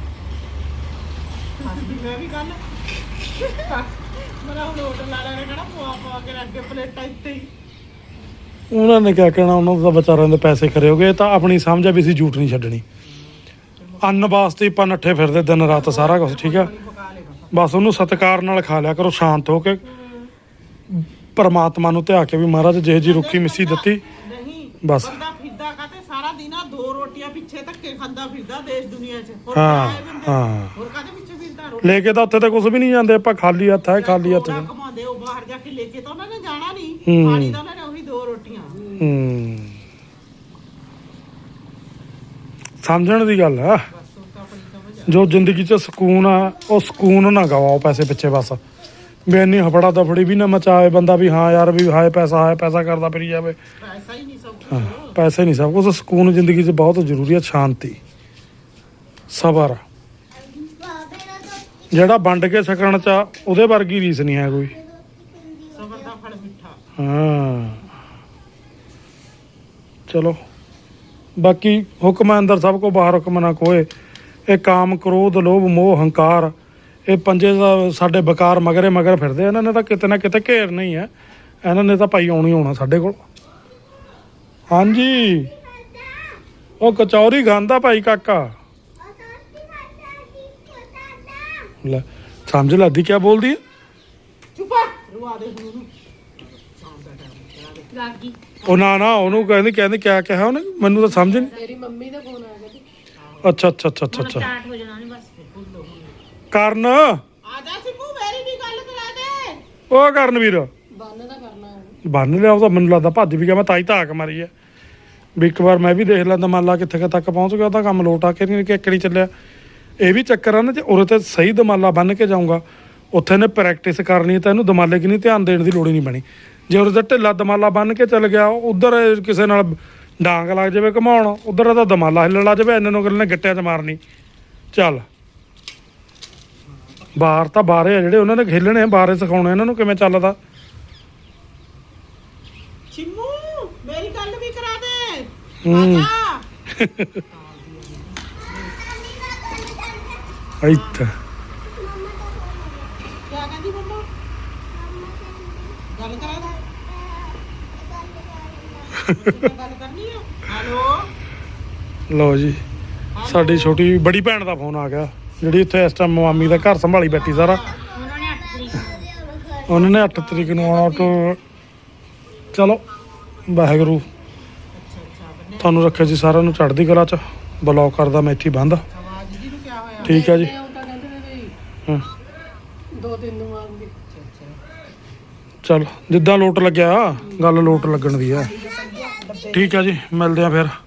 ਹੱਸਦੀ ਮੈਂ ਵੀ ਕੱਲ ਮੇਰਾ ਹੁਣ ਹੋਟਲ ਵਾਲਿਆਂ ਨੇ ਕਹਿਣਾ ਪਵਾ ਪਵਾ ਕੇ ਰੱਖ ਕੇ ਪਲੇਟਾਂ ਇੱਥੇ ਹੀ
ਉਹਨਾਂ ਨੇ ਕਿਆ ਕਹਿਣਾ ਉਹਨਾਂ ਦਾ ਵਿਚਾਰਿਆਂ ਦੇ ਪੈਸੇ ਖਰੇ ਹੋ ਗਏ ਇਹ ਤਾਂ ਆਪਣੀ ਸਮਝ ਆ ਵੀ ਅਸੀਂ ਝੂਠ ਨਹੀਂ ਛੱਡਣੀ ਅੰਨ ਵਾਸਤੇ ਆਪਾਂ ਨੱਠੇ ਫਿਰਦੇ ਦਿਨ ਰਾਤ ਸਾਰਾ ਕੁਝ ਠੀਕ ਆ
ਪਕਾ ਲੇਗਾ
ਬਸ ਉਹਨੂੰ ਸਤਿਕਾਰ ਨਾਲ ਖਾ ਲਿਆ ਕਰੋ ਸ਼ਾਂਤ ਹੋ ਕੇ ਪਰਮਾਤਮਾ ਨੂੰ ਧਿਆ ਕੇ ਵੀ ਮਹਾਰਾਜ ਜਿਹੇ ਜੀ ਰੁੱਖੀ ਮਿੱਸੀ ਦਿੱਤੀ
ਨਹੀਂ
ਬਸ
ਬੰਦਾ ਫਿਰਦਾ ਕਾਤੇ ਸਾਰਾ ਦਿਨ ਆ ਦੋ ਰੋਟੀਆਂ ਪਿੱਛੇ ਧੱਕੇ ਖਾਂਦਾ ਫਿਰਦਾ ਦੇਸ਼ ਦੁਨੀਆ 'ਚ ਹੋਰ
ਹਾਂ
ਕਿਆ ਹੈ ਬੰਦੇ?
ਹਾਂ
ਹੋਰ ਕਾਦੇ ਪਿੱਛੇ ਫਿਰਦਾ ਰੋਟੀ
ਲੈ ਕੇ ਤਾਂ ਉੱਥੇ ਤਾਂ ਕੁਝ ਵੀ ਨਹੀਂ ਜਾਂਦੇ ਆਪਾਂ ਖਾਲੀ ਹੱਥ ਹੈ ਖਾਲੀ ਹੱਥ
ਥੋੜ੍ਹਾ
ਹੈ।
ਕਮਾਉਂਦੇ ਉਹ ਬਾਹਰ ਜਾ ਕੇ ਲੈ ਕੇ ਤਾਂ ਉਹਨਾਂ ਨੇ ਜਾਣਾ ਨਹੀਂ
ਹੂੰ।
ਖਾਣੀ ਤਾਂ ਉਹਨਾਂ ਨੇ ਉਹੀ ਦੋ ਰੋਟੀਆਂ
ਹੂੰ ਸਮਝਣ ਦੀ ਗੱਲ ਆ
ਬਸ ਉਹ ਤਾਂ ਆਪਣੀ ਸਮਝ ਆ
ਜੋ ਜ਼ਿੰਦਗੀ 'ਚ ਸਕੂਨ ਆ ਉਹ ਸਕੂਨ ਨਾ ਗਵਾਓ ਪੈਸੇ ਪਿੱਛੇ ਬਸ ਵੀ ਇੰਨੀ ਹਫੜਾ ਦਫੜੀ ਵੀ ਨਾ ਮਚਾਏ ਬੰਦਾ ਵੀ ਹਾਂ ਯਾਰ ਵੀ ਹਾਏ ਪੈਸਾ ਹਾਏ ਪੈਸਾ ਕਰਦਾ ਫਿਰੀ ਜਾਵੇ
ਪੈਸਾ ਹੀ ਨਹੀਂ ਸਭ
ਹਾਂ,
ਕੁਝ
ਪੈਸੇ ਨਹੀਂ ਸਭ ਕੁਝ ਸਕੂਨ ਜ਼ਿੰਦਗੀ 'ਚ ਬਹੁਤ ਜ਼ਰੂਰੀ ਹੈ ਸ਼ਾਂਤੀ ਸਬਰ
ਬਾਬੇ ਦਾ ਤਾਂ
ਜਿਹੜਾ ਵੰਡ ਕੇ ਸਕਣ 'ਚ ਆ, ਉਹਦੇ ਵਰਗੀ ਰੀਸ ਨਹੀਂ ਹੈ ਕੋਈ
ਸਬਰ ਦਾ ਫਲ ਮਿੱਠਾ
ਹਾਂ ਚਲੋ ਬਾਕੀ ਹੁਕਮ ਅੰਦਰ ਸਭ ਕੋ ਬਾਹਰ ਹੁਕਮ ਨਾ ਕੋਏ ਇਹ ਕਾਮ ਕ੍ਰੋਧ ਲੋਭ ਮੋਹ ਹੰਕਾਰ ਇਹ ਪੰਜੇ ਦਾ ਸਾਡੇ ਬਕਾਰ ਮਗਰੇ ਮਗਰ ਫਿਰਦੇ ਇਹਨਾਂ ਨੇ ਤਾਂ ਕਿਤੇ ਨਾ ਕਿਤੇ ਘੇਰ ਨਹੀਂ ਹੈ ਇਹਨਾਂ ਨੇ ਤਾਂ ਭਾਈ ਆਉਣੀ ਆਉਣਾ ਸਾਡੇ ਕੋਲ ਹਾਂਜੀ ਉਹ ਕਚੌਰੀ ਖਾਂਦਾ ਭਾਈ ਕਾਕਾ ਲੈ ਸਮਝ ਲੱਦੀ ਕੀ ਬੋਲਦੀ ਹੈ
ਚੁੱਪ ਰਵਾ ਦੇ ਹੁਣ ਉਹਨੂੰ ਸ਼ਾਮ ਦਾ ਟਾਈਮ
ਲਾਗੀ
ਉਹ ਨਾ ਨਾ ਉਹਨੂੰ ਕਹਿੰਦੀ ਕਹਿੰਦੀ ਕਿਆ ਕਿਹਾ ਉਹਨੇ ਮੈਨੂੰ ਤਾਂ ਸਮਝ ਨਹੀਂ
ਮੇਰੀ ਮੰਮੀ ਦਾ ਫੋਨ ਆ ਗਿਆ ਜੀ
ਅੱਛਾ ਅੱਛਾ ਅੱਛਾ ਅੱਛਾ
ਹੁਣ
ਅੱਛਾ
ਸਟਾਰਟ ਹੋ ਜਾਣਾ ਨਹੀਂ ਬਸ
ਕਰਨ
ਆ ਜਾ ਸਿੰਮੂ ਮੇਰੀ ਵੀ ਗੱਲ ਕਰਾ ਦੇ
ਉਹ ਕਰਨ ਵੀਰ
ਬੰਨ ਦਾ ਕਰਨਾ ਹੈ
ਬੰਨ ਲਿਆ ਉਹ ਤਾਂ ਮੈਨੂੰ ਲੱਗਦਾ ਭੱਜ ਵੀ ਗਿਆ ਮੈਂ ਤਾਈ ਧਾਕ ਮਾਰੀ ਹੈ ਵੀ ਇੱਕ ਵਾਰ ਮੈਂ ਵੀ ਦੇਖ ਲੈਂਦਾ ਮੰਨ ਲਾ ਕਿੱਥੇ ਕੁ ਤੱਕ ਪਹੁੰਚ ਗਿਆ ਉਹਦਾ ਕੰਮ ਲੋਟ ਆ ਕੇ ਨਹੀਂ ਕਿ ਇੱਕੜੀ ਚੱਲਿਆ ਇਹ ਵੀ ਚੱਕਰ ਆ ਨਾ ਜੇ ਉਰੇ ਤੇ ਸਹੀ ਦਮਾਲਾ ਬੰਨ ਕੇ ਜਾਊਂਗਾ ਉੱਥੇ ਨੇ ਪ੍ਰੈਕਟਿਸ ਕਰਨੀ ਤਾਂ ਇਹਨੂੰ ਦਮਾਲੇ ਕਿ ਨਹੀਂ ਧਿਆਨ ਦੇਣ ਦੀ ਲੋੜ ਹੀ ਨਹੀਂ ਬਣੀ ਜੇ ਉਰੇ ਤੇ ਢਿੱਲਾ ਦਮਾਲਾ ਬੰਨ ਕੇ ਚੱਲ ਗਿਆ ਉਧਰ ਕਿਸੇ ਨਾਲ ਡਾਂਗ ਲੱਗ ਜਾਵੇ ਘਮਾਉਣ ਉਧਰ ਦਾ ਦਮਾਲਾ ਹਿੱਲਣ ਲੱਗ ਜਾਵੇ ਇਹਨਾਂ ਨੂੰ ਅਗਲੇ ਨੇ ਗਿੱਟਿਆਂ 'ਚ ਮਾਰਨੀ ਚੱਲ ਬਾਹਰ ਤਾਂ ਬਾਹਰੇ ਆ ਜਿਹੜੇ ਉਹਨਾਂ ਨੇ ਖੇਲਣੇ ਆ, ਬਾਹਰੇ ਸਿਖਾਉਣੇ ਇਹਨਾਂ ਨੂੰ ਕਿਵੇਂ ਚੱਲਦਾ।
ਚਿੰਮੂ ਮੇਰੀ ਗੱਲ ਵੀ ਕਰਾ ਦੇ।
ਹੂੰ।
ਆਜਾ।
ਇੱਥੇ
ਕਿਆ ਕਹਿੰਦੀ ਮੰਮਾ? ਗੱਲ ਕਰਾ ਦੇ। ਗੱਲ ਕਰਨੀ ਆ। ਹੈਲੋ
ਲਓ ਜੀ, ਸਾਡੀ ਛੋਟੀ ਬੜੀ ਭੈਣ ਦਾ ਫੋਨ ਆ ਗਿਆ, ਜਿਹੜੀ ਇੱਥੇ ਇਸ ਟਾਈਮ ਮਾਮੀ ਦਾ ਘਰ ਸੰਭਾਲੀ ਬੈਠੀ ਸਾਰਾ।
ਉਹਨਾਂ ਨੇ ਅੱਠ ਤਰੀਕ ਨੂੰ
ਉਹਨਾਂ ਨੇ ਅੱਠ ਤਰੀਕ ਨੂੰ ਆਉਣਾ। ਤੋਂ ਚਲੋ ਵਾਹਿਗੁਰੂ ਤੁਹਾਨੂੰ ਰੱਖੇ ਜੀ ਸਾਰਿਆਂ ਨੂੰ ਚੜ੍ਹਦੀ ਕਲਾ ਚ। ਬਲੌਗ ਕਰਦਾ ਮੈਂ ਇੱਥੇ ਬੰਦ।
ਆਵਾਜ਼ ਜੀ ਨੂੰ ਕਿਆ ਹੋਇਆ?
ਠੀਕ ਹੈ ਜੀ।
ਉਹ ਤਾਂ ਕਹਿੰਦੇ ਨੇ ਵੀ
ਹਾਂ
ਦੋ ਤਿੰਨ ਨੂੰ ਆਉਂਗੇ।
ਚਲ ਜਿੱਦਾਂ ਲੋਟ ਲੱਗਿਆ, ਗੱਲ ਲੋਟ ਲੱਗਣ ਦੀ ਆ। ਠੀਕ ਆ ਜੀ, ਮਿਲਦੇ ਆ ਫਿਰ।